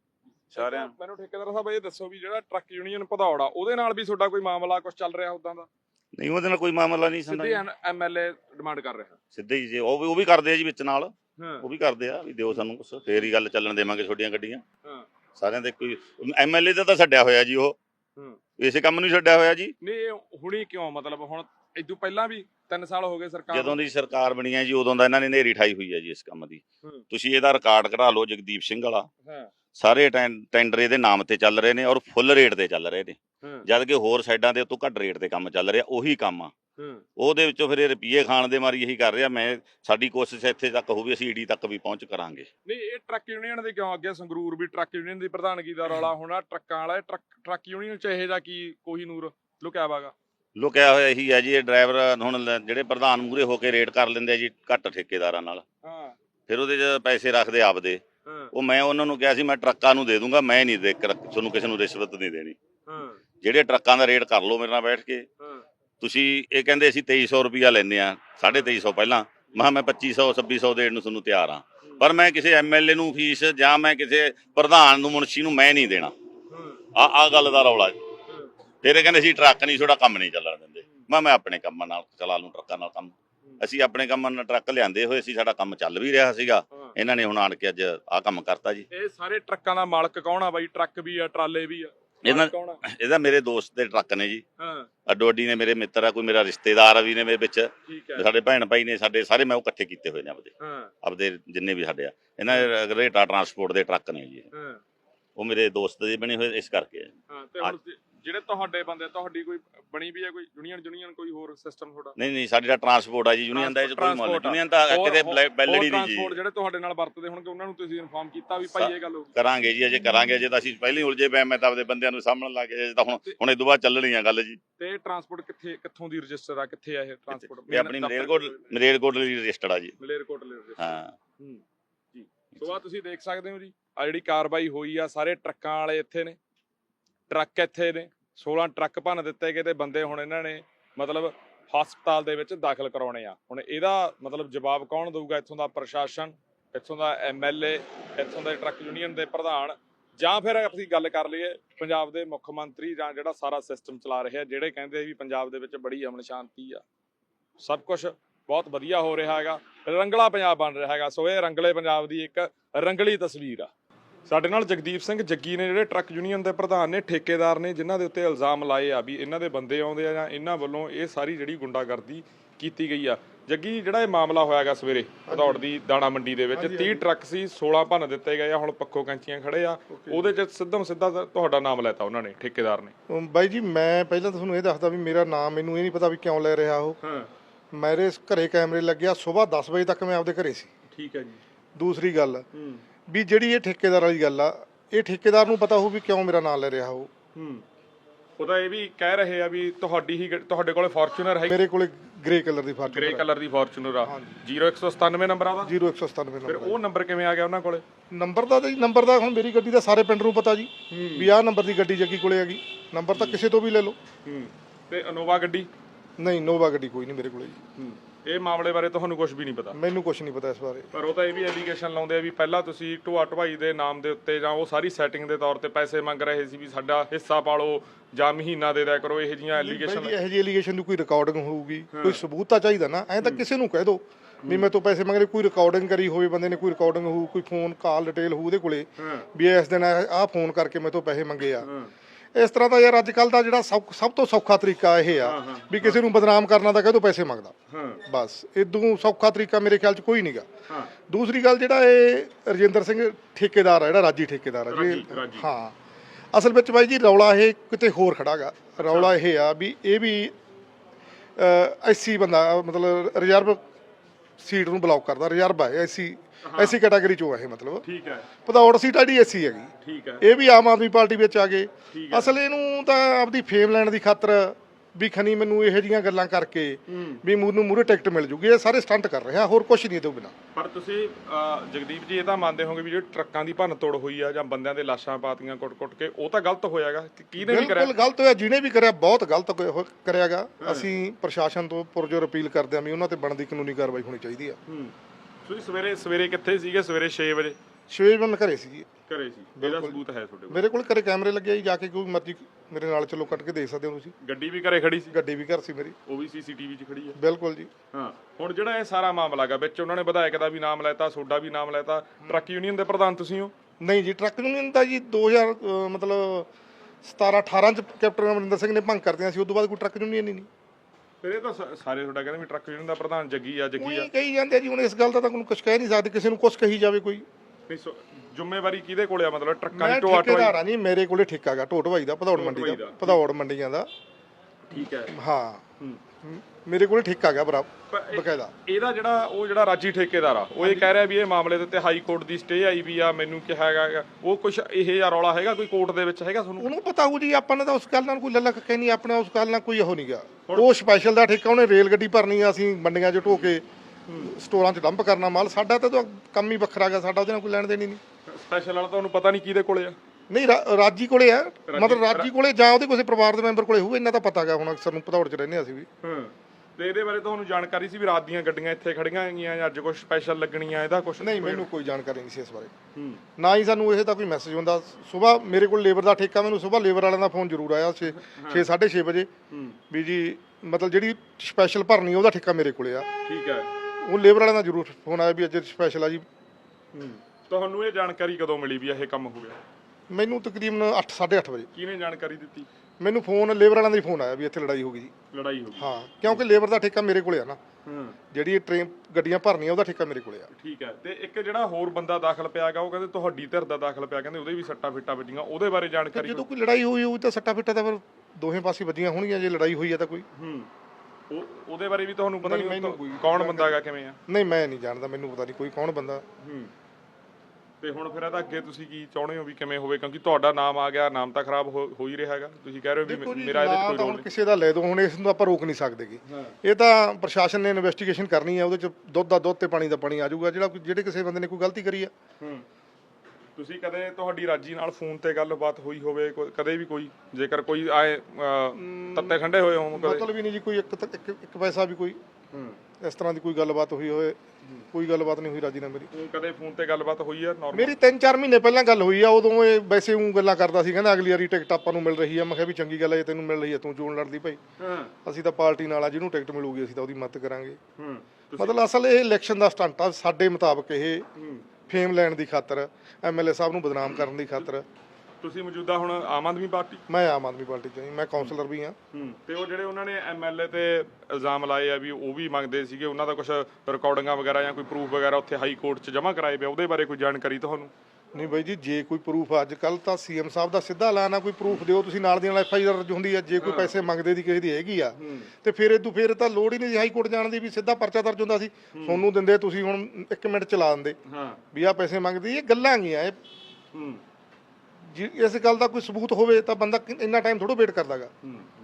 [SPEAKER 3] ਸਾਰਿਆਂ ਨੂੰ।
[SPEAKER 1] ਮੈਨੂੰ ਠੇਕੇਦਾਰ ਸਾਹਿਬ ਇਹ ਦੱਸੋ ਵੀ ਜਿਹੜਾ ਟਰੱਕ ਯੂਨੀਅਨ ਭਦੌੜ ਆ, ਉਹਦੇ ਨਾਲ ਵੀ ਤੁਹਾਡਾ ਕੋਈ ਮਾਮਲਾ ਕੁਝ ਚੱਲ ਰਿਹਾ ਉਦਾਂ ਦਾ?
[SPEAKER 2] ਨਹੀਂ ਉਹਦੇ ਨਾਲ ਕੋਈ ਮਾਮਲਾ ਨਹੀਂ
[SPEAKER 1] ਸਿੱਧੇ
[SPEAKER 2] ਸੰਦਾ,
[SPEAKER 1] ਐਮਐਲਏ ਡਿਮਾਂਡ ਕਰ ਰਿਹਾ?
[SPEAKER 2] ਸਿੱਧੇ ਹੀ ਜੀ ਉਹ ਵੀ ਉਹ ਵੀ ਕਰਦੇ ਆ ਜੀ ਵਿੱਚ ਨਾਲ,
[SPEAKER 1] ਹਾਂ
[SPEAKER 2] ਉਹ ਵੀ ਕਰਦੇ ਆ ਵੀ ਦਿਓ ਸਾਨੂੰ ਕੁਛ, ਫੇਰ ਹੀ ਗੱਲ ਚੱਲਣ ਦੇਵਾਂਗੇ ਤੁਹਾਡੀਆਂ ਗੱਡੀਆਂ।
[SPEAKER 1] ਹਾਂ
[SPEAKER 2] ਸਾਰਿਆਂ ਦੇ ਕੋਈ ਐਮਐਲਏ ਦਾ ਤਾਂ ਛੱਡਿਆ ਹੋਇਆ ਜੀ, ਉਹ
[SPEAKER 1] ਹੂੰ
[SPEAKER 2] ਇਸੇ ਕੰਮ ਨੂੰ ਛੱਡਿਆ ਹੋਇਆ ਜੀ।
[SPEAKER 1] ਨਹੀਂ ਇਹ ਹੁਣੀ ਕਿਉਂ, ਮਤਲਬ ਹੁਣ ਇਦੋਂ ਪਹਿਲਾਂ ਵੀ ਤਿੰਨ ਸਾਲ ਹੋ ਗਏ ਸਰਕਾਰ
[SPEAKER 2] ਜਦੋਂ ਦੀ ਸਰਕਾਰ ਬਣੀ ਹੈ ਜੀ, ਉਦੋਂ ਦਾ ਇਹਨਾਂ ਨੇ ਨੇਰੀ ਠਾਈ ਹੋਈ ਹੈ ਜੀ ਇਸ ਕੰਮ ਦੀ।
[SPEAKER 1] ਹੂੰ।
[SPEAKER 2] ਤੁਸੀਂ ਇਹਦਾ ਰਿਕਾਰਡ ਕਢਾ ਲਓ, ਜਗਦੀਪ ਸਿੰਘ ਵਾਲਾ,
[SPEAKER 1] ਹਾਂ
[SPEAKER 2] ਸਾਰੇ ਟੈਂ- ਟੈਂਡਰ ਇਹਦੇ ਨਾਮ ਤੇ ਚੱਲ ਰਹੇ ਨੇ, ਔਰ ਫੁੱਲ ਰੇਟ ਤੇ ਚੱਲ ਰਹੇ ਨੇ,
[SPEAKER 1] ਹਾਂ
[SPEAKER 2] ਜਦ ਕਿ ਹੋਰ ਸਾਈਡਾਂ ਦੇ ਉਤੋਂ ਘੱਟ ਰੇਟ ਤੇ ਕੰਮ ਚੱਲ ਰਿਹਾ। ਉਹੀ ਕੰਮ ਆ ਉਹਦੇ ਵਿੱਚੋਂ ਫਿਰ ਇਹ ਰੁਪਈਏ ਖਾਣ ਦੇ ਮਾਰੀ ਇਹੀ ਕਰ ਰਿਹਾ। ਮੈਂ ਸਾਡੀ ਕੋਸ਼ਿਸ਼ ਇੱਥੇ ਤੱਕ ਹੋਊਗੀ, ਅਸੀਂ ਈਡੀ ਤੱਕ ਵੀ ਪਹੁੰਚ ਕਰਾਂਗੇ।
[SPEAKER 1] ਨਹੀਂ ਇਹ ਟਰੱਕ ਯੂਨੀਅਨ ਦੇ ਕਿਉਂ ਅੱਗੇ ਸੰਗਰੂਰ ਵੀ ਟਰੱਕ ਯੂਨੀਅਨ ਦੀ ਪ੍ਰਧਾਨਗੀ ਦਾ ਰੌਲਾ ਹੋਣਾ, ਟਰੱਕਾਂ ਵਾਲਾ ਟਰੱਕ ਟਰੱਕ ਯੂਨੀਅਨ ਚ ਇਹ ਜਾਂ ਕੀ ਕੋਈ ਨੂਰ ਲੁਕਿਆ ਵਾਗਾ?
[SPEAKER 2] ਲੁਕਿਆ ਹੋਇਆ ਇਹੀ ਹੈ ਜੀ, ਇਹ ਡਰਾਈਵਰ ਹੁਣ ਲ- ਜਿਹੜੇ ਪ੍ਰਧਾਨ ਮੂਹਰੇ ਹੋ ਕੇ ਰੇਟ ਕਰ ਲੈਂਦੇ ਆ ਜੀ ਘੱਟ ਠੇਕੇਦਾਰਾਂ ਨਾਲ,
[SPEAKER 1] ਹਾਂ
[SPEAKER 2] ਫਿਰ ਉਹਦੇ 'ਚ ਪੈਸੇ ਰੱਖਦੇ ਆਪਦੇ।
[SPEAKER 1] ਹਾਂ
[SPEAKER 2] ਉਹ ਮੈਂ ਉਹਨਾਂ ਨੂੰ ਕਿਹਾ ਸੀ ਮੈਂ ਟਰੱਕਾਂ ਨੂੰ ਦੇ ਦੂੰਗਾ, ਮੈਂ ਨਹੀਂ ਦੇ ਕੇ ਤੁਹਾਨੂੰ ਕਿਸੇ ਨੂੰ ਰਿਸ਼ਵਤ ਨਹੀਂ ਦੇਣੀ।
[SPEAKER 1] ਹਾਂ
[SPEAKER 2] ਜਿਹੜੇ ਟਰੱਕਾਂ ਦਾ ਰੇਟ ਕਰ ਲਓ ਮੇਰੇ ਨਾਲ ਬੈਠ ਕੇ।
[SPEAKER 1] ਹਾਂ
[SPEAKER 2] ਤੁਸੀਂ ਇਹ ਕਹਿੰਦੇ ਅਸੀਂ ਤੇਈ ਸੌ ਰੁਪਈਆ ਲੈਂਦੇ ਆ, ਸਾਢੇ ਤੇਈ ਸੌ ਪਹਿਲਾਂ, ਮੈਂ ਕਿਹਾ ਮੈਂ ਪੱਚੀ ਸੌ ਛੱਬੀ ਸੌ ਦੇਣ ਨੂੰ ਤੁਹਾਨੂੰ ਤਿਆਰ ਹਾਂ, ਪਰ ਮੈਂ ਕਿਸੇ ਐਮਐਲਏ ਨੂੰ ਫੀਸ ਜਾਂ ਮੈਂ ਕਿਸੇ ਪ੍ਰਧਾਨ ਨੂੰ ਮੁਨਸ਼ੀ ਨੂੰ ਮੈਂ ਨਹੀਂ ਦੇਣਾ। ਆ ਆ ਗੱਲ ਦਾ ਰੌਲਾ। ਫਿਰ ਇਹ ਕਹਿੰਦੇ ਸੀ ਟਰੱਕ ਨਹੀਂ, ਤੁਹਾਡਾ ਕੰਮ ਨਹੀਂ ਚੱਲਣ ਦਿੰਦੇ। ਮੈਂ ਮੈਂ ਆਪਣੇ ਕੰਮਾਂ ਨਾਲ ਚਲਾ ਲੂੰ, ਟਰੱਕਾਂ ਨਾਲ ਕੰਮ। ਅਸੀਂ ਆਪਣੇ ਕੰਮਾਂ ਨਾਲ ਟਰੱਕ ਲਿਆਂਦੇ ਹੋਏ ਸੀ, ਸਾਡਾ ਕੰਮ ਚੱਲ ਵੀ ਰਿਹਾ ਸੀਗਾ। ਇਹਨਾਂ ਨੇ ਹੁਣ ਆਣ ਕੇ ਅੱਜ ਆਹ ਕੰਮ ਕਰਤਾ ਜੀ।
[SPEAKER 1] ਇਹ ਸਾਰੇ ਟਰੱਕਾਂ ਦਾ ਮਾਲਕ ਕੌਣ ਆ ਬਾਈ? ਟਰੱਕ ਵੀ ਆ, ਟਰਾਲੇ ਵੀ ਆ,
[SPEAKER 2] ਇਹਨਾਂ
[SPEAKER 1] ਮਾਲਕ ਕੌਣ ਆ?
[SPEAKER 2] ਇਹਦਾ ਮੇਰੇ ਦੋਸਤ ਦੇ ਟਰੱਕ ਨੇ ਜੀ,
[SPEAKER 1] ਹਾਂ
[SPEAKER 2] ਅੱਡੋ ਅੱਡੀ ਨੇ, ਮੇਰੇ ਮਿੱਤਰ ਆ, ਕੋਈ ਮੇਰਾ ਰਿਸ਼ਤੇਦਾਰ ਵੀ ਨੇ ਮੇਰੇ ਵਿੱਚ,
[SPEAKER 1] ਠੀਕ ਹੈ।
[SPEAKER 2] ਸਾਡੇ ਭੈਣ ਭਾਈ ਨੇ, ਸਾਡੇ ਸਾਰੇ ਮੈਂ ਉਹ ਇਕੱਠੇ ਕੀਤੇ ਹੋਏ ਨੇ ਆਪਦੇ
[SPEAKER 1] ਹਾਂ
[SPEAKER 2] ਆਪਦੇ ਜਿੰਨੇ ਵੀ ਸਾਡੇ ਆ। ਇਹਨਾਂ ਦੇ ਰੇਟਾ ਟਰਾਂਸਪੋਰਟ ਦੇ ਟਰੱਕ ਨੇ ਜੀ,
[SPEAKER 1] ਹਾਂ
[SPEAKER 2] ਉਹ ਮੇਰੇ ਦੋਸਤ ਦੇ ਬਣੇ ਹੋਏ ਇਸ ਕਰਕੇ।
[SPEAKER 1] ਹਾਂ ਤੇ ਹੁਣ ਜਿਹੜੇ ਤੁਹਾਡੇ ਬੰਦੇ, ਤੁਹਾਡੀ ਕੋਈ ਬਣੀ ਵੀ ਆ ਕੋਈ ਯੂਨੀਅਨ ਯੂਨੀਅਨ ਕੋਈ ਹੋਰ ਸਿਸਟਮ ਤੁਹਾਡਾ?
[SPEAKER 2] ਨਹੀਂ ਨਹੀਂ ਸਾਡੀ ਦਾ ਟਰਾਂਸਪੋਰਟ ਆ ਜੀ, ਯੂਨੀਅਨ ਦਾ ਇਹ 'ਚ ਕੋਈ ਮੁੱਲ ਨਹੀਂ। ਯੂਨੀਅਨ ਤਾਂ ਕਿਤੇ ਬੈਲੜੀ ਨਹੀਂ ਜੀ।
[SPEAKER 1] ਟਰਾਂਸਪੋਰਟ ਜਿਹੜੇ ਤੁਹਾਡੇ ਨਾਲ ਵਰਤਦੇ ਹੋਣਗੇ ਉਹਨਾਂ ਨੂੰ ਤੁਸੀਂ ਇਨਫਾਰਮ ਕੀਤਾ ਵੀ ਭਾਈ ਇਹ ਗੱਲ ਹੋ ਗਈ?
[SPEAKER 2] ਕਰਾਂਗੇ ਜੀ, ਅਜੇ ਕਰਾਂਗੇ। ਅਜੇ ਤਾਂ ਅਸੀਂ ਪਹਿਲਾਂ ਹੀ ਉਲਝੇ ਪਏ, ਮੈਂ ਤਾਂ ਆਪਦੇ ਬੰਦਿਆਂ ਨੂੰ ਸਾਹਮਣ ਲੱਗ ਗਿਆ। ਅਜੇ ਤਾਂ ਹੁਣ ਹੁਣ ਇਹ ਤੋਂ ਬਾਅਦ ਚੱਲਣੀ ਆ ਗੱਲ ਜੀ।
[SPEAKER 1] ਤੇ ਟਰਾਂਸਪੋਰਟ ਕਿੱਥੇ ਕਿੱਥੋਂ ਦੀ ਰਜਿਸਟਰ ਆ, ਕਿੱਥੇ ਆ ਇਹ ਟਰਾਂਸਪੋਰਟ?
[SPEAKER 2] ਇਹ ਆਪਣੀ ਮਲੇਰਕੋਟ ਮਲੇਰਕੋਟ ਲਈ ਰਜਿਸਟਰਡ ਆ ਜੀ।
[SPEAKER 1] ਮਲੇਰਕੋਟ ਰਜਿਸਟਰ।
[SPEAKER 2] ਹਾਂ
[SPEAKER 1] ਹੂੰ ਜੀ। ਸੋ ਆ ਤੁਸੀਂ ਦੇਖ ਸਕਦੇ ਹੋ ਜੀ, ਆ ਜਿਹੜੀ ਕਾਰਵਾਈ ਹੋਈ ਆ, ਸਾਰੇ ਟਰੱਕਾਂ ਵਾਲੇ ਇੱਥੇ ਨੇ, ਟਰੱਕ ਇੱਥੇ ਨੇ, ਸੋਲਾਂ ਟਰੱਕ ਭੰਨ ਦਿੱਤੇ ਗਏ ਤੇ ਬੰਦੇ ਹੁਣ ਇਹਨਾਂ ਨੇ ਮਤਲਬ ਹਸਪਤਾਲ ਦੇ ਵਿੱਚ ਦਾਖਲ ਕਰਾਉਣੇ ਆ। ਹੁਣ ਇਹਦਾ ਮਤਲਬ ਜਵਾਬ ਕੌਣ ਦਊਗਾ? ਇੱਥੋਂ ਦਾ ਪ੍ਰਸ਼ਾਸਨ, ਇੱਥੋਂ ਦਾ ਐਮਐਲਏ, ਇੱਥੋਂ ਦੇ ਟਰੱਕ ਯੂਨੀਅਨ ਦੇ ਪ੍ਰਧਾਨ, ਜਾਂ ਫਿਰ ਅਸੀਂ ਗੱਲ ਕਰ ਲਈਏ ਪੰਜਾਬ ਦੇ ਮੁੱਖ ਮੰਤਰੀ, ਜਾਂ ਜਿਹੜਾ ਸਾਰਾ ਸਿਸਟਮ ਚਲਾ ਰਿਹਾ, ਜਿਹੜੇ ਕਹਿੰਦੇ ਵੀ ਪੰਜਾਬ ਦੇ ਵਿੱਚ ਬੜੀ ਅਮਨ ਸ਼ਾਂਤੀ ਆ, ਸਭ ਕੁਝ ਬਹੁਤ ਵਧੀਆ ਹੋ ਰਿਹਾ ਹੈਗਾ, ਰੰਗਲਾ ਪੰਜਾਬ ਬਣ ਰਿਹਾ ਹੈਗਾ। ਸੋ ਇਹ ਰੰਗਲੇ ਪੰਜਾਬ ਦੀ ਇੱਕ ਰੰਗਲੀ ਤਸਵੀਰ ਆ। ਸਾਡੇ ਨਾਲ ਜਗਦੀਪ ਸਿੰਘ ਜੱਗੀ ਨੇ, ਜਿਹੜੇ ਟਰੱਕ ਯੂਨੀਅਨ ਦੇ ਪ੍ਰਧਾਨ ਨੇ, ਠੇਕੇਦਾਰ ਨੇ, ਜਿਨ੍ਹਾਂ ਦੇ ਉੱਤੇ ਇਲਜ਼ਾਮ ਲਾਏ ਆ ਵੀ ਇਹਨਾਂ ਦੇ ਬੰਦੇ ਆਉਂਦੇ ਆ ਜਾਂ ਇਹਨਾਂ ਵੱਲੋਂ ਇਹ ਸਾਰੀ ਜਿਹੜੀ ਗੁੰਡਾਗਰਦੀ ਕੀਤੀ ਗਈ ਆ। ਜੱਗੀ, ਜਿਹੜਾ ਇਹ ਮਾਮਲਾ ਹੋਇਆਗਾ ਸਵੇਰੇ ਭਦੌੜ ਦੀ ਦਾਣਾ ਮੰਡੀ ਦੇ ਵਿੱਚ, ਤੀਹ ਟਰੱਕ ਸੀ, ਸੋਲਾਂ ਭੰਨ ਦਿੱਤੇ ਗਏ ਆ, ਹੁਣ ਪੱਖੋ ਕੈਂਚੀਆਂ ਖੜੇ ਆ, ਉਹਦੇ 'ਚ ਸਿੱਧਮ ਸਿੱਧਾ ਤੁਹਾਡਾ ਨਾਮ ਲੈਤਾ ਉਹਨਾਂ ਨੇ, ਠੇਕੇਦਾਰ ਨੇ।
[SPEAKER 9] ਬਾਈ ਜੀ, ਮੈਂ ਪਹਿਲਾਂ ਤੁਹਾਨੂੰ ਇਹ ਦੱਸਦਾ ਵੀ ਮੇਰਾ ਨਾਮ, ਮੈਨੂੰ ਇਹ ਨਹੀਂ ਪਤਾ ਵੀ ਕਿਉਂ ਲੈ ਰਿਹਾ ਉਹ।
[SPEAKER 1] ਹਾਂ
[SPEAKER 9] ਮੇਰੇ ਘਰੇ ਕੈਮਰੇ ਲੱਗਿਆ, ਸਵੇਰ ਦਸ ਵਜੇ ਤੱਕ ਮੈਂ ਆਪਦੇ ਘਰੇ ਸੀ।
[SPEAKER 1] ਠੀਕ ਹੈ ਜੀ।
[SPEAKER 9] ਦੂਸਰੀ ਗੱਲ
[SPEAKER 1] ਹੂੰ
[SPEAKER 9] ਵੀ ਜਿਹੜੀ ਇਹ ਠੇਕੇਦਾਰ ਵਾਲੀ ਗੱਲ ਆ, ਇਹ ਠੇਕੇਦਾਰ ਨੂੰ ਪਤਾ ਹੋਊ ਵੀ ਕਿਉਂ ਮੇਰਾ ਨਾਮ ਲੈ ਰਿਹਾ ਉਹ।
[SPEAKER 1] ਹੂੰ ਉਹਦਾ ਇਹ ਵੀ ਕਹਿ ਰਹੇ ਆ ਵੀ ਤੁਹਾਡੀ ਹੀ ਗ- ਤੁਹਾਡੇ ਕੋਲੇ ਫੋਰਚੂਨਰ ਹੈ,
[SPEAKER 9] ਮੇਰੇ ਕੋਲੇ ਗ੍ਰੇ ਕਲਰ ਦੀ ਫਾਰਚੂਨਰ
[SPEAKER 1] ਗ੍ਰੇ ਕਲਰ ਦੀ ਫੋਰਚੂਨਰ ਆ, ਜ਼ੀਰੋ ਇੱਕ ਸੌ ਸਤਾਨਵੇਂ ਨੰਬਰ ਆ ਉਹਦਾ।
[SPEAKER 9] ਜ਼ੀਰੋ ਇੱਕ ਸੌ ਸਤਾਨਵੇਂ
[SPEAKER 1] ਫਿਰ
[SPEAKER 9] ਨੰਬਰ।
[SPEAKER 1] ਉਹ ਨੰਬਰ ਕਿਵੇਂ ਆ ਗਿਆ ਉਹਨਾਂ ਕੋਲੇ?
[SPEAKER 9] ਨੰਬਰ ਦਾ ਤਾਂ ਜੀ, ਨੰਬਰ ਦਾ ਹੁਣ ਮੇਰੀ ਗੱਡੀ ਦਾ ਸਾਰੇ ਪਿੰਡ ਨੂੰ ਪਤਾ ਜੀ ਵੀ ਆਹ ਨੰਬਰ ਦੀ ਗੱਡੀ ਜੱਗੀ ਕੋਲੇ ਹੈਗੀ। ਨੰਬਰ ਤਾਂ ਕਿਸੇ ਤੋਂ ਵੀ ਲੈ ਲਓ।
[SPEAKER 1] ਹੂੰ ਤੇ ਇਨੋਵਾ ਗੱਡੀ?
[SPEAKER 9] ਨਹੀਂ, ਨੋਵਾ ਗੱਡੀ ਕੋਈ ਨਹੀਂ ਮੇਰੇ ਕੋਲੇ ਜੀ।
[SPEAKER 1] ਹੂੰ ਇਹ ਮਾਮਲੇ ਬਾਰੇ ਤੁਹਾਨੂੰ ਕੁਝ ਵੀ ਨਹੀਂ ਪਤਾ?
[SPEAKER 9] ਮੈਨੂੰ ਕੁਝ ਨਹੀਂ ਪਤਾ ਇਸ ਬਾਰੇ।
[SPEAKER 1] ਪਰ ਉਹ ਤਾਂ ਇਹ ਵੀ ਐਲੀਗੇਸ਼ਨ ਲਾਉਂਦੇ ਆ ਵੀ ਪਹਿਲਾਂ ਤੁਸੀਂ ਢੋਆ ਢਵਾਈ ਦੇ ਨਾਮ ਦੇ ਉੱਤੇ ਜਾਂ ਉਹ ਸਾਰੀ ਸੈਟਿੰਗ ਦੇ ਤੌਰ ਤੇ ਪੈਸੇ ਮੰਗ ਰਹੇ ਸੀ ਵੀ ਸਾਡਾ ਹਿੱਸਾ ਪਾਲੋ ਜਾਂ ਮਹੀਨਾ ਦੇ ਦਿਆ ਕਰੋ, ਇਹੋ ਜਿਹੀਆਂ ਐਲੀਗੇਸ਼ਨ।
[SPEAKER 9] ਇਹੋ ਜਿਹੀ ਐਲੀਗੇਸ਼ਨ ਦੀ ਕੋਈ ਰਿਕਾਰਡਿੰਗ ਹੋਊਗੀ, ਕੋਈ ਸਬੂਤ ਤਾਂ ਚਾਹੀਦਾ ਨਾ। ਐਂ ਤਾਂ ਕਿਸੇ ਨੂੰ ਕਹਿ ਦੋ ਵੀ ਮੈਂ ਤੋਂ ਪੈਸੇ ਮੰਗਦੇ, ਕੋਈ ਰਿਕਾਰਡਿੰਗ ਕਰੀ ਹੋਵੇ ਬੰਦੇ ਨੇ, ਕੋਈ ਰਿਕਾਰਡਿੰਗ ਹੋਊ, ਕੋਈ ਫੋਨ ਕਾਲ ਡਿਟੇਲ ਹੋਊ ਉਹਦੇ ਕੋਲੇ ਵੀ ਇਸ ਦਿਨ ਆਹ ਫੋਨ ਕਰਕੇ ਮੈਂ ਤੋਂ ਪੈਸੇ ਮੰਗੇ ਆ। ਇਸ ਤਰ੍ਹਾਂ ਦਾ ਯਾਰ ਅੱਜ ਕੱਲ ਦਾ ਜਿਹੜਾ ਸਭ ਸਭ ਤੋਂ ਸੌਖਾ ਤਰੀਕਾ ਇਹ ਆ ਵੀ ਕਿਸੇ ਨੂੰ ਬਦਨਾਮ ਕਰਨਾ ਤਾਂ ਕਹਿ ਦੋ ਪੈਸੇ ਮੰਗਦਾ, ਬਸ। ਇਦੋਂ ਸੌਖਾ ਤਰੀਕਾ ਮੇਰੇ ਖਿਆਲ 'ਚ ਕੋਈ ਨਹੀਂਗਾ। ਦੂਸਰੀ ਗੱਲ, ਜਿਹੜਾ ਇਹ ਰਜਿੰਦਰ ਸਿੰਘ ਠੇਕੇਦਾਰ ਆ, ਜਿਹੜਾ ਰਾਜੀ ਠੇਕੇਦਾਰ ਆ ਜੀ, ਹਾਂ, ਅਸਲ ਵਿੱਚ ਬਾਈ ਜੀ ਰੌਲਾ ਇਹ ਕਿਤੇ ਹੋਰ ਖੜਾਗਾ। ਰੌਲਾ ਇਹ ਆ ਵੀ ਇਹ ਵੀ ਐਸੀ ਬੰਦਾ, ਮਤਲਬ ਰਿਜ਼ਰਵ ਸੀਟ ਨੂੰ ਬਲੌਕ ਕਰਦਾ। ਰਿਜ਼ਰਵ ਹੈ, ਐਸੀ ਐਸੀ ਕੈਟਾਗਰੀ ਚੋਂ ਇਹ, ਮਤਲਬ
[SPEAKER 1] ਠੀਕ ਹੈ,
[SPEAKER 9] ਭਦੌੜ ਸੀਟ ਆਡੀ ਐਸੀ ਹੈਗੀ।
[SPEAKER 1] ਠੀਕ ਹੈ,
[SPEAKER 9] ਇਹ ਵੀ ਆਮ ਆਦਮੀ ਪਾਰਟੀ ਵਿੱਚ ਆ ਗਏ। ਅਸਲ ਇਹਨੂੰ ਤਾਂ ਆਪਦੀ ਫੇਮ ਲੈਣ ਦੀ ਖਾਤਰ ਵੀ ਖਨੀ ਮੈਨੂੰ ਇਹੋ ਜਿਹੀਆਂ ਗੱਲਾਂ ਕਰਕੇ ਵੀ ਮੈਨੂੰ ਮੂਹਰੇ ਟਿਕਟ ਮਿਲ ਜੂਗੀ, ਇਹ ਸਾਰੇ ਸਟੰਟ ਕਰ ਰਿਹਾ, ਹੋਰ ਕੁਝ ਨਹੀਂ ਇਹਦੇ ਬਿਨਾਂ।
[SPEAKER 1] ਪਰ ਤੁਸੀਂ ਜਗਦੀਪ ਜੀ ਇਹ ਤਾਂ ਮੰਨਦੇ ਹੋਗੇ ਵੀ ਜਿਹੜੇ ਟਰੱਕਾਂ ਦੀ ਭੰਨ ਤੋੜ ਹੋਈ ਆ ਜਾਂ ਬੰਦਿਆਂ ਦੇ ਲਾਸ਼ਾਂ ਪਾਤੀਆਂ ਕੁੱਟ-ਕੁੱਟ ਕੇ, ਉਹ ਤਾਂ ਗਲਤ ਹੋਇਆਗਾ? ਕਿਹਨੇ ਵੀ ਕਰਿਆ?
[SPEAKER 9] ਬਿਲਕੁਲ ਗਲਤ ਹੋਇਆ, ਜਿਹਨੇ ਵੀ ਕਰਿਆ ਬਹੁਤ ਗਲਤ ਕਰਿਆਗਾ। ਅਸੀਂ ਪ੍ਰਸ਼ਾਸਨ ਤੋਂ ਪੁਰਜੋਰ ਅਪੀਲ ਕਰਦੇ ਹਾਂ ਵੀ ਉਹਨਾਂ ਤੇ ਬਣਦੀ ਕਾਨੂੰਨੀ ਕਾਰਵਾਈ ਹੋਣੀ ਚਾਹੀਦੀ ਆ।
[SPEAKER 1] ਤੁਸੀਂ ਸਵੇਰੇ ਸਵੇਰੇ ਕਿੱਥੇ ਸੀਗੇ? ਸਵੇਰੇ ਛੇ ਵਜੇ?
[SPEAKER 9] ਛੇ ਵਜੇ ਮੈਂ ਘਰੇ ਸੀ ਜੀ।
[SPEAKER 1] ਘਰੇ ਸੀ? ਇਹਦਾ ਸਬੂਤ ਹੈ ਤੁਹਾਡੇ ਕੋਲ?
[SPEAKER 9] ਮੇਰੇ ਕੋਲ ਘਰੇ ਕੈਮਰੇ ਲੱਗੇ ਜੀ, ਜਾ ਕੇ ਕੋਈ ਮਰਜ਼ੀ ਮੇਰੇ ਨਾਲ ਚਲੋ ਕੱਟ ਕੇ ਦੇਖ ਸਕਦੇ ਹੋ ਤੁਸੀਂ।
[SPEAKER 1] ਗੱਡੀ ਵੀ ਘਰੇ ਖੜੀ ਸੀ?
[SPEAKER 9] ਗੱਡੀ ਵੀ ਘਰ ਸੀ ਮੇਰੀ,
[SPEAKER 1] ਉਹ ਵੀ ਸੀਸੀਟੀਵੀ 'ਚ ਖੜੀ ਹੈ?
[SPEAKER 9] ਬਿਲਕੁਲ ਜੀ।
[SPEAKER 1] ਹਾਂ, ਹੁਣ ਜਿਹੜਾ ਇਹ ਸਾਰਾ ਮਾਮਲਾ ਗਾ ਵਿੱਚ ਉਹਨਾਂ ਨੇ ਵਿਧਾਇਕ ਦਾ ਵੀ ਨਾਮ ਲੈਤਾ, ਤੁਹਾਡਾ ਵੀ ਨਾਮ ਲੈਤਾ, ਟਰੱਕ ਯੂਨੀਅਨ ਦੇ ਪ੍ਰਧਾਨ ਤੁਸੀਂ ਹੋ?
[SPEAKER 9] ਨਹੀਂ ਜੀ, ਟਰੱਕ ਯੂਨੀਅਨ ਦਾ ਜੀ ਦੋ ਹਜ਼ਾਰ ਮਤਲਬ ਸਤਾਰਾਂ ਅਠਾਰਾਂ 'ਚ ਕੈਪਟਨ ਅਮਰਿੰਦਰ ਸਿੰਘ ਨੇ ਭੰਗ ਕਰਦਿਆਂ ਸੀ, ਉਸ ਤੋਂ ਬਾਅਦ ਕੋਈ ਟਰੱਕ ਯੂਨੀਅਨ ਹੀ ਨਹੀਂ।
[SPEAKER 1] ਫਿਰ ਇਹ ਤਾਂ ਸਾਰੇ ਤੁਹਾਡਾ ਕਹਿੰਦੇ ਵੀ ਟਰੱਕ ਯੂਨੀਅਨ ਦਾ ਪ੍ਰਧਾਨ ਜੱਗੀ ਆ, ਜੱਗੀ ਆ
[SPEAKER 9] ਕਹੀ ਜਾਂਦੇ ਜੀ। ਹੁਣ ਇਸ ਗੱਲ ਦਾ ਤਾਂ ਕੋਈ ਕੁਝ ਕਹਿ ਨਹੀਂ ਸਕਦੇ, ਕਿਸੇ ਨੂੰ ਕੁਝ ਕਹੀ ਜਾਵੇ ਕੋਈ।
[SPEAKER 1] ਜ਼ਿੰਮੇਵਾਰੀ ਕਿਹਦੇ ਕੋਲੇ ਆ? ਮਤਲਬ ਟਰੱਕਾਂ
[SPEAKER 9] ਮੈਂ
[SPEAKER 1] ਦੀ ਢੋਆ
[SPEAKER 9] ਠੇਕੇਦਾਰ
[SPEAKER 1] ਢਵਾਈ?
[SPEAKER 9] ਆ ਜੀ, ਮੇਰੇ ਕੋਲੇ ਠੇਕਾ ਗਾ ਢੋਟ ਭਾਈ ਦਾ, ਭਦੌੜ ਮੰਡੀ ਦਾ, ਭਦੌੜ ਮੰਡੀਆਂ ਦਾ।
[SPEAKER 1] ਠੀਕ ਹੈ
[SPEAKER 9] ਹਾਂ
[SPEAKER 1] ਹੂੰ।
[SPEAKER 9] ਮ- ਮੇਰੇ ਕੋਲ ਠੀਕ ਆ ਗਿਆ ਬਰਾਬਰ
[SPEAKER 1] ਪਰ ਇਹ-
[SPEAKER 9] ਬਕਾਇਦਾ।
[SPEAKER 1] ਇਹਦਾ ਜਿਹੜਾ ਉਹ ਜਿਹੜਾ ਰਾਜੀ ਠੇਕੇਦਾਰ ਆ ਉਹ ਇਹ ਕਹਿ ਰਿਹਾ ਵੀ ਇਹ ਮਾਮਲੇ ਦੇ ਉੱਤੇ ਹਾਈ ਕੋਰਟ ਦੀ ਸਟੇ ਆਈ ਵੀ ਆ, ਮੈਨੂੰ ਕਿਹਾ ਹੈਗਾ ਉਹ ਕੁਝ ਇਹ ਜਿਹਾ ਰੌਲਾ ਹੈਗਾ ਕੋਈ ਕੋਰਟ ਦੇ ਵਿੱਚ ਹੈਗਾ ਤੁਹਾਨੂੰ?
[SPEAKER 9] ਉਹਨੂੰ ਪਤਾ ਹੋਊ ਜੀ, ਆਪਾਂ ਨੇ ਤਾਂ ਉਸ ਗੱਲ ਨਾਲ ਕੋਈ ਲੱਲਾ ਕੱਕੇ ਨਹੀਂ, ਆਪਣਾ ਉਸ ਗੱਲ ਨਾਲ ਕੋਈ ਉਹ ਨਹੀਂ ਗਿਆ। ਉਹ ਸਪੈਸ਼ਲ ਦਾ ਠੇਕਾ ਉਹਨੇ ਰੇਲ ਗੱਡੀ ਭਰਨੀ ਆ, ਅਸੀਂ ਮੰਡੀਆਂ 'ਚ ਢੋ ਕੇ ਸਟੋਰਾਂ 'ਚ ਡੰਪ ਕਰਨਾ ਮਾਲ। ਸਾਡਾ ਤਾਂ ਤਾਂ ਕੰਮ ਹੀ ਵੱਖਰਾ ਗਾ, ਸਾਡਾ ਉਹਦੇ ਨਾਲ ਕੋਈ ਲੈਣ ਦੇਣੀ ਨਹੀਂ।
[SPEAKER 1] ਸਪੈਸ਼ਲ ਵਾਲਾ ਤੁਹਾਨੂੰ ਪਤਾ ਨਹੀਂ ਕਿਹਦੇ ਕੋਲੇ ਆ?
[SPEAKER 9] ਨਹੀਂ ਰਾ- ਰਾਜੀ ਕੋਲੇ ਆ, ਮਤਲਬ ਰਾਜੀ ਕੋਲੇ ਜਾਂ ਉਹਦੇ ਕਿਸੇ ਪਰਿਵਾਰ ਦੇ ਮੈਂਬਰ ਕੋਲੇ ਹੋਊ, ਇੰਨਾ ਤਾਂ ਪਤਾ ਗਾ। ਹੁਣ ਅਕਸਰ ਨੂੰ ਭਦੌੜ 'ਚ ਰਹਿੰਦੇ ਹਾਂ ਅਸੀਂ ਵੀ।
[SPEAKER 1] ਹਾਂ ਤੇ ਇਹਦੇ ਬਾਰੇ ਤੁਹਾਨੂੰ ਜਾਣਕਾਰੀ ਸੀ ਵੀ ਰਾਤ ਦੀਆਂ ਗੱਡੀਆਂ ਇੱਥੇ ਖੜੀਆਂ ਹੈਗੀਆਂ ਜਾਂ ਅੱਜ ਕੁਝ ਸਪੈਸ਼ਲ ਲੱਗਣੀਆਂ, ਇਹਦਾ ਕੁਝ?
[SPEAKER 9] ਨਹੀਂ, ਮੈਨੂੰ ਕੋਈ ਜਾਣਕਾਰੀ ਨਹੀਂ ਸੀ ਇਸ ਬਾਰੇ।
[SPEAKER 1] ਹੂੰ
[SPEAKER 9] ਨਾ ਹੀ ਸਾਨੂੰ ਇਹ ਤਾਂ ਕੋਈ ਮੈਸੇਜ ਹੁੰਦਾ। ਸਵੇਰ ਮੇਰੇ ਕੋਲ ਲੇਬਰ ਦਾ ਠੇਕਾ, ਮੈਨੂੰ ਸਵੇਰ ਲੇਬਰ ਵਾਲਿਆਂ ਦਾ ਫੋਨ ਜ਼ਰੂਰ ਆਇਆ ਛੇ ਛੇ ਸਾਢੇ ਛੇ ਵਜੇ
[SPEAKER 1] ਹੂੰ
[SPEAKER 9] ਵੀ ਜੀ ਮਤਲਬ ਜਿਹੜੀ ਸਪੈਸ਼ਲ ਭਰਨੀ ਉਹਦਾ ਠੇਕਾ ਮੇਰੇ ਕੋਲੇ ਆ।
[SPEAKER 1] ਠੀਕ ਹੈ।
[SPEAKER 9] ਉਹ ਲੇਬਰ ਵਾਲਿਆਂ ਦਾ ਜ਼ਰੂਰ ਫੋਨ ਆਇਆ ਵੀ ਅੱਜ ਸਪੈਸ਼ਲ ਆ ਜੀ।
[SPEAKER 1] ਹੂੰ ਤੁਹਾਨੂੰ ਇਹ ਜਾਣਕਾਰੀ ਕਦੋਂ ਮਿਲੀ ਵੀ ਇਹ ਕੰਮ ਹੋ ਗਿਆ?
[SPEAKER 9] ਮੈਨੂੰ ਤਕਰੀਬਨ ਅੱਠ ਸਾਢੇ ਅੱਠ ਵਜੇ
[SPEAKER 1] ਕਿਹਨੇ ਜਾਣਕਾਰੀ ਦਿੱਤੀ?
[SPEAKER 9] ਮੈਨੂੰ ਫੋਨ ਲੇਬਰ ਵਾਲਿਆਂ ਦਾ ਹੀ ਫੋਨ ਆਇਆ ਵੀ ਇੱਥੇ ਲੜਾਈ ਹੋ ਗਈ ਜੀ।
[SPEAKER 1] ਲੜਾਈ ਹੋ ਗਈ?
[SPEAKER 9] ਹਾਂ, ਕਿਉਂਕਿ ਲੇਬਰ ਦਾ ਠੇਕਾ ਮੇਰੇ ਕੋਲੇ ਆ ਨਾ,
[SPEAKER 1] ਹਾਂ
[SPEAKER 9] ਜਿਹੜੀ ਇਹ ਟ੍ਰੇਨ ਗੱਡੀਆਂ ਭਰਨੀਆਂ ਉਹਦਾ ਠੇਕਾ ਮੇਰੇ ਕੋਲੇ ਆ।
[SPEAKER 1] ਠੀਕ ਹੈ। ਤੇ ਇੱਕ ਜਿਹੜਾ ਹੋਰ ਬੰਦਾ ਦਾਖਲ ਪਿਆਗਾ ਉਹ ਕਹਿੰਦੇ ਤੁਹਾਡੀ ਧਿਰ ਦਾ ਦਾਖਲ ਪਿਆ, ਕਹਿੰਦੇ ਉਹਦੇ ਵੀ ਸੱਟਾਂ ਫਿੱਟਾਂ ਵੱਜੀਆਂ, ਉਹਦੇ ਬਾਰੇ ਜਾਣਕਾਰੀ?
[SPEAKER 9] ਜਦੋਂ ਕੋਈ ਲੜਾਈ ਹੋਈ ਹੋਊ ਤਾਂ ਸੱਟਾ ਫਿੱਟਾ ਤਾਂ ਫਿਰ ਦੋਹੇ ਪਾਸੇ ਵੱਜੀਆਂ ਹੋਣਗੀਆਂ ਜੇ ਲੜਾਈ ਹੋਈ ਆ ਤਾਂ ਕੋਈ।
[SPEAKER 1] ਹੂੰ ਉਹ ਉਹਦੇ ਬਾਰੇ ਵੀ ਤੁਹਾਨੂੰ ਪਤਾ
[SPEAKER 9] ਨਹੀਂ,
[SPEAKER 1] ਨਹੀਂ
[SPEAKER 9] ਮੈਨੂੰ ਕੋਈ
[SPEAKER 1] ਕੌਣ ਬੰਦਾ ਹੈਗਾ ਕਿਵੇਂ ਆ?
[SPEAKER 9] ਨਹੀਂ, ਮੈਂ ਨਹੀਂ ਜਾਣਦਾ, ਮੈਨੂੰ ਪਤਾ ਨਹੀਂ ਕੋਈ ਕੌਣ ਬੰਦਾ।
[SPEAKER 1] ਹੂੰ ਤੇ ਹੁਣ ਫਿਰ ਇਹਦਾ ਅੱਗੇ ਤੁਸੀਂ ਕੀ ਚਾਹੁੰਦੇ ਹੋ ਵੀ ਕਿਵੇਂ ਹੋਵੇ? ਕਿਉਂਕਿ ਤੁਹਾਡਾ ਨਾਮ ਆ ਗਿਆ, ਨਾਮ ਤਾਂ ਖਰਾਬ ਹੋ ਹੋ ਹੀ ਰਿਹਾ ਹੈਗਾ। ਤੁਸੀਂ ਕਹਿ ਰਹੇ ਹੋ
[SPEAKER 9] ਦੇਖੋ
[SPEAKER 1] ਵੀ
[SPEAKER 9] ਜੀ,
[SPEAKER 1] ਮੇਰਾ ਇਹਦੇ 'ਚ
[SPEAKER 9] ਨਾ
[SPEAKER 1] ਕੋਈ
[SPEAKER 9] ਤਾਂ
[SPEAKER 1] ਰੋਲ
[SPEAKER 9] ਹੁਣ
[SPEAKER 1] ਨਹੀਂ।
[SPEAKER 9] ਕਿਸੇ ਦਾ ਲੈ ਦੋ, ਹੁਣ ਇਸ ਨੂੰ ਆਪਾਂ ਰੋਕ ਨਹੀਂ ਸਕਦੇ ਗੇ।
[SPEAKER 1] ਹਾਂ
[SPEAKER 9] ਇਹ ਤਾਂ ਪ੍ਰਸ਼ਾਸਨ ਨੇ ਇਨਵੈਸਟੀਗੇਸ਼ਨ ਕਰਨੀ ਹੈ, ਉਹਦੇ ਚ ਦੁੱਧ ਦਾ ਦੁੱਧ ਤੇ ਪਾਣੀ ਦਾ ਪਾਣੀ ਆ ਜਾਊਗਾ। ਜਿਹੜਾ ਕੋਈ- ਜਿਹੜੇ ਕਿਸੇ ਬੰਦੇ ਨੇ ਕੋਈ ਗਲਤੀ ਕਰੀ ਆ।
[SPEAKER 1] ਹੂੰ ਤੁਸੀਂ ਕਦੇ ਤੁਹਾਡੀ ਰਾਜੀ ਨਾਲ ਫੋਨ ਤੇ ਗੱਲਬਾਤ ਹੋਈ ਹੋਵੇ ਕੋਈ- ਕਦੇ ਵੀ ਕੋਈ, ਜੇਕਰ ਕੋਈ ਆਏ ਅਹ, ਤੱਤੇ ਖੰਡੇ ਹੋਏ ਹੋਣ ਕਦੇ?
[SPEAKER 9] ਮਤਲਬ ਵੀ ਨਹੀਂ ਜੀ ਕੋਈ ਇੱਕ ਤੱਕ ਇੱਕ ਇੱਕ ਪੈਸਾ ਵੀ ਕੋਈ
[SPEAKER 1] ਹੂੰ
[SPEAKER 9] ਇਸ ਤਰ੍ਹਾਂ ਦੀ ਕੋਈ ਗੱਲਬਾਤ ਹੋਈ ਹੋਵੇ, ਕੋਈ ਗੱਲਬਾਤ ਨਹੀਂ ਹੋਈ ਰਾਜੀ ਨਾਲ ਮੇਰੀ।
[SPEAKER 1] ਉਹ ਕਦੇ ਫੋਨ ਤੇ ਗੱਲਬਾਤ ਹੋਈ ਆ ਨਾਰਮਲ?
[SPEAKER 9] ਮੇਰੀ ਤਿੰਨ ਚਾਰ ਮਹੀਨੇ ਪਹਿਲਾਂ ਗੱਲ ਹੋਈ ਆ, ਉਦੋਂ ਇਹ ਵੈਸੇ ਉਹ ਗੱਲਾਂ ਕਰਦਾ ਸੀ, ਕਹਿੰਦਾ ਅਗਲੀ ਵਾਰੀ ਟਿਕਟ ਆਪਾਂ ਨੂੰ ਮਿਲ ਰਹੀ ਆ। ਮੈਂ ਕਿਹਾ ਵੀ ਚੰਗੀ ਗੱਲ ਹੈ, ਜੇ ਤੈਨੂੰ ਮਿਲ ਰਹੀ ਹੈ ਤੂੰ ਚੋਣ ਲੜਦੀ ਭਾਈ।
[SPEAKER 1] ਹਾਂ
[SPEAKER 9] ਅਸੀਂ ਤਾਂ ਪਾਰਟੀ ਨਾਲ ਆ, ਜਿਹਨੂੰ ਟਿਕਟ ਮਿਲੂਗੀ ਅਸੀਂ ਤਾਂ ਉਹਦੀ ਮਦਦ ਕਰਾਂਗੇ।
[SPEAKER 1] ਹੂੰ
[SPEAKER 9] ਮਤਲਬ ਅਸਲ ਇਹ ਇਲੈਕਸ਼ਨ ਦਾ ਸਟੰਟ ਆ ਸਾਡੇ ਮੁਤਾਬਕ। ਇਹ
[SPEAKER 1] ਹੂੰ
[SPEAKER 9] ਫੇਮ ਲੈਣ ਦੀ ਖਾਤਰ, ਐਮਐਲਏ ਸਾਹਿਬ ਨੂੰ ਬਦਨਾਮ ਕਰਨ ਦੀ ਖਾਤਰ।
[SPEAKER 1] ਤੁਸੀਂ ਮੌਜੂਦਾ ਹੁਣ ਆਮ ਆਦਮੀ ਪਾਰਟੀ?
[SPEAKER 9] ਮੈਂ ਆਮ ਆਦਮੀ ਪਾਰਟੀ ਚ ਹਾਂ, ਮੈਂ ਕਾਉਂਸਲਰ ਵੀ ਹਾਂ।
[SPEAKER 1] ਹੂੰ ਤੇ ਉਹ ਜਿਹੜੇ ਉਹਨਾਂ ਨੇ ਐਮਐਲਏ ਤੇ ਇਲਜ਼ਾਮ ਲਾਏ ਆ ਵੀ ਉਹ ਵੀ ਮੰਗਦੇ ਸੀਗੇ, ਉਹਨਾਂ ਦਾ ਕੁਝ ਰਿਕਾਰਡਿੰਗਾਂ ਵਗੈਰਾ ਜਾਂ ਕੋਈ ਪ੍ਰੂਫ ਵਗੈਰਾ ਉੱਥੇ ਹਾਈ ਕੋਰਟ 'ਚ ਜਮ੍ਹਾਂ ਕਰਾਏ ਪਿਆ, ਉਹਦੇ ਬਾਰੇ ਕੋਈ ਜਾਣਕਾਰੀ ਤੁਹਾਨੂੰ?
[SPEAKER 9] ਨਹੀਂ ਬਾਈ ਜੀ, ਜੇ ਕੋਈ ਪ੍ਰੂਫ ਅੱਜ ਕੱਲ ਤਾਂ ਸੀਐਮ ਸਾਹਿਬ ਦਾ ਸਿੱਧਾ ਐਲਾਨ ਆ, ਕੋਈ ਪ੍ਰੂਫ ਦਿਓ ਤੁਸੀਂ, ਨਾਲ ਦੀ ਨਾਲ ਐਫ ਆਈ ਆਰ ਦਰਜ ਹੁੰਦੀ ਆ। ਜੇ ਕੋਈ ਪੈਸੇ ਮੰਗਦੇ ਦੀ ਕਿਸੇ ਦੀ ਹੈਗੀ ਆ ਤੇ ਫਿਰ ਇਹ ਤੋਂ ਫਿਰ ਤਾਂ ਲੋੜ ਹੀ ਨਹੀਂ ਹਾਈ ਕੋਰਟ ਜਾਣ ਦੀ, ਵੀ ਸਿੱਧਾ ਪਰਚਾ ਦਰਜ ਹੁੰਦਾ ਸੀ। ਤੁਹਾਨੂੰ ਦਿੰਦੇ, ਤੁਸੀਂ ਹੁਣ ਇੱਕ ਮਿੰਟ ਚਲਾ ਦਿੰਦੇ
[SPEAKER 1] ਹਾਂ
[SPEAKER 9] ਵੀ ਆ ਪੈਸੇ ਮੰਗਦੀ। ਇਹ ਗੱਲਾਂ ਗੀਆਂ ਇਹ।
[SPEAKER 1] ਹੂੰ
[SPEAKER 9] ਜੇ ਇਸ ਗੱਲ ਦਾ ਕੋਈ ਸਬੂਤ ਹੋਵੇ ਤਾਂ ਬੰਦਾ ਕਿ- ਇੰਨਾ ਟਾਈਮ ਥੋੜ੍ਹਾ ਵੇਟ ਕਰਦਾਗਾ।
[SPEAKER 1] ਹੂੰ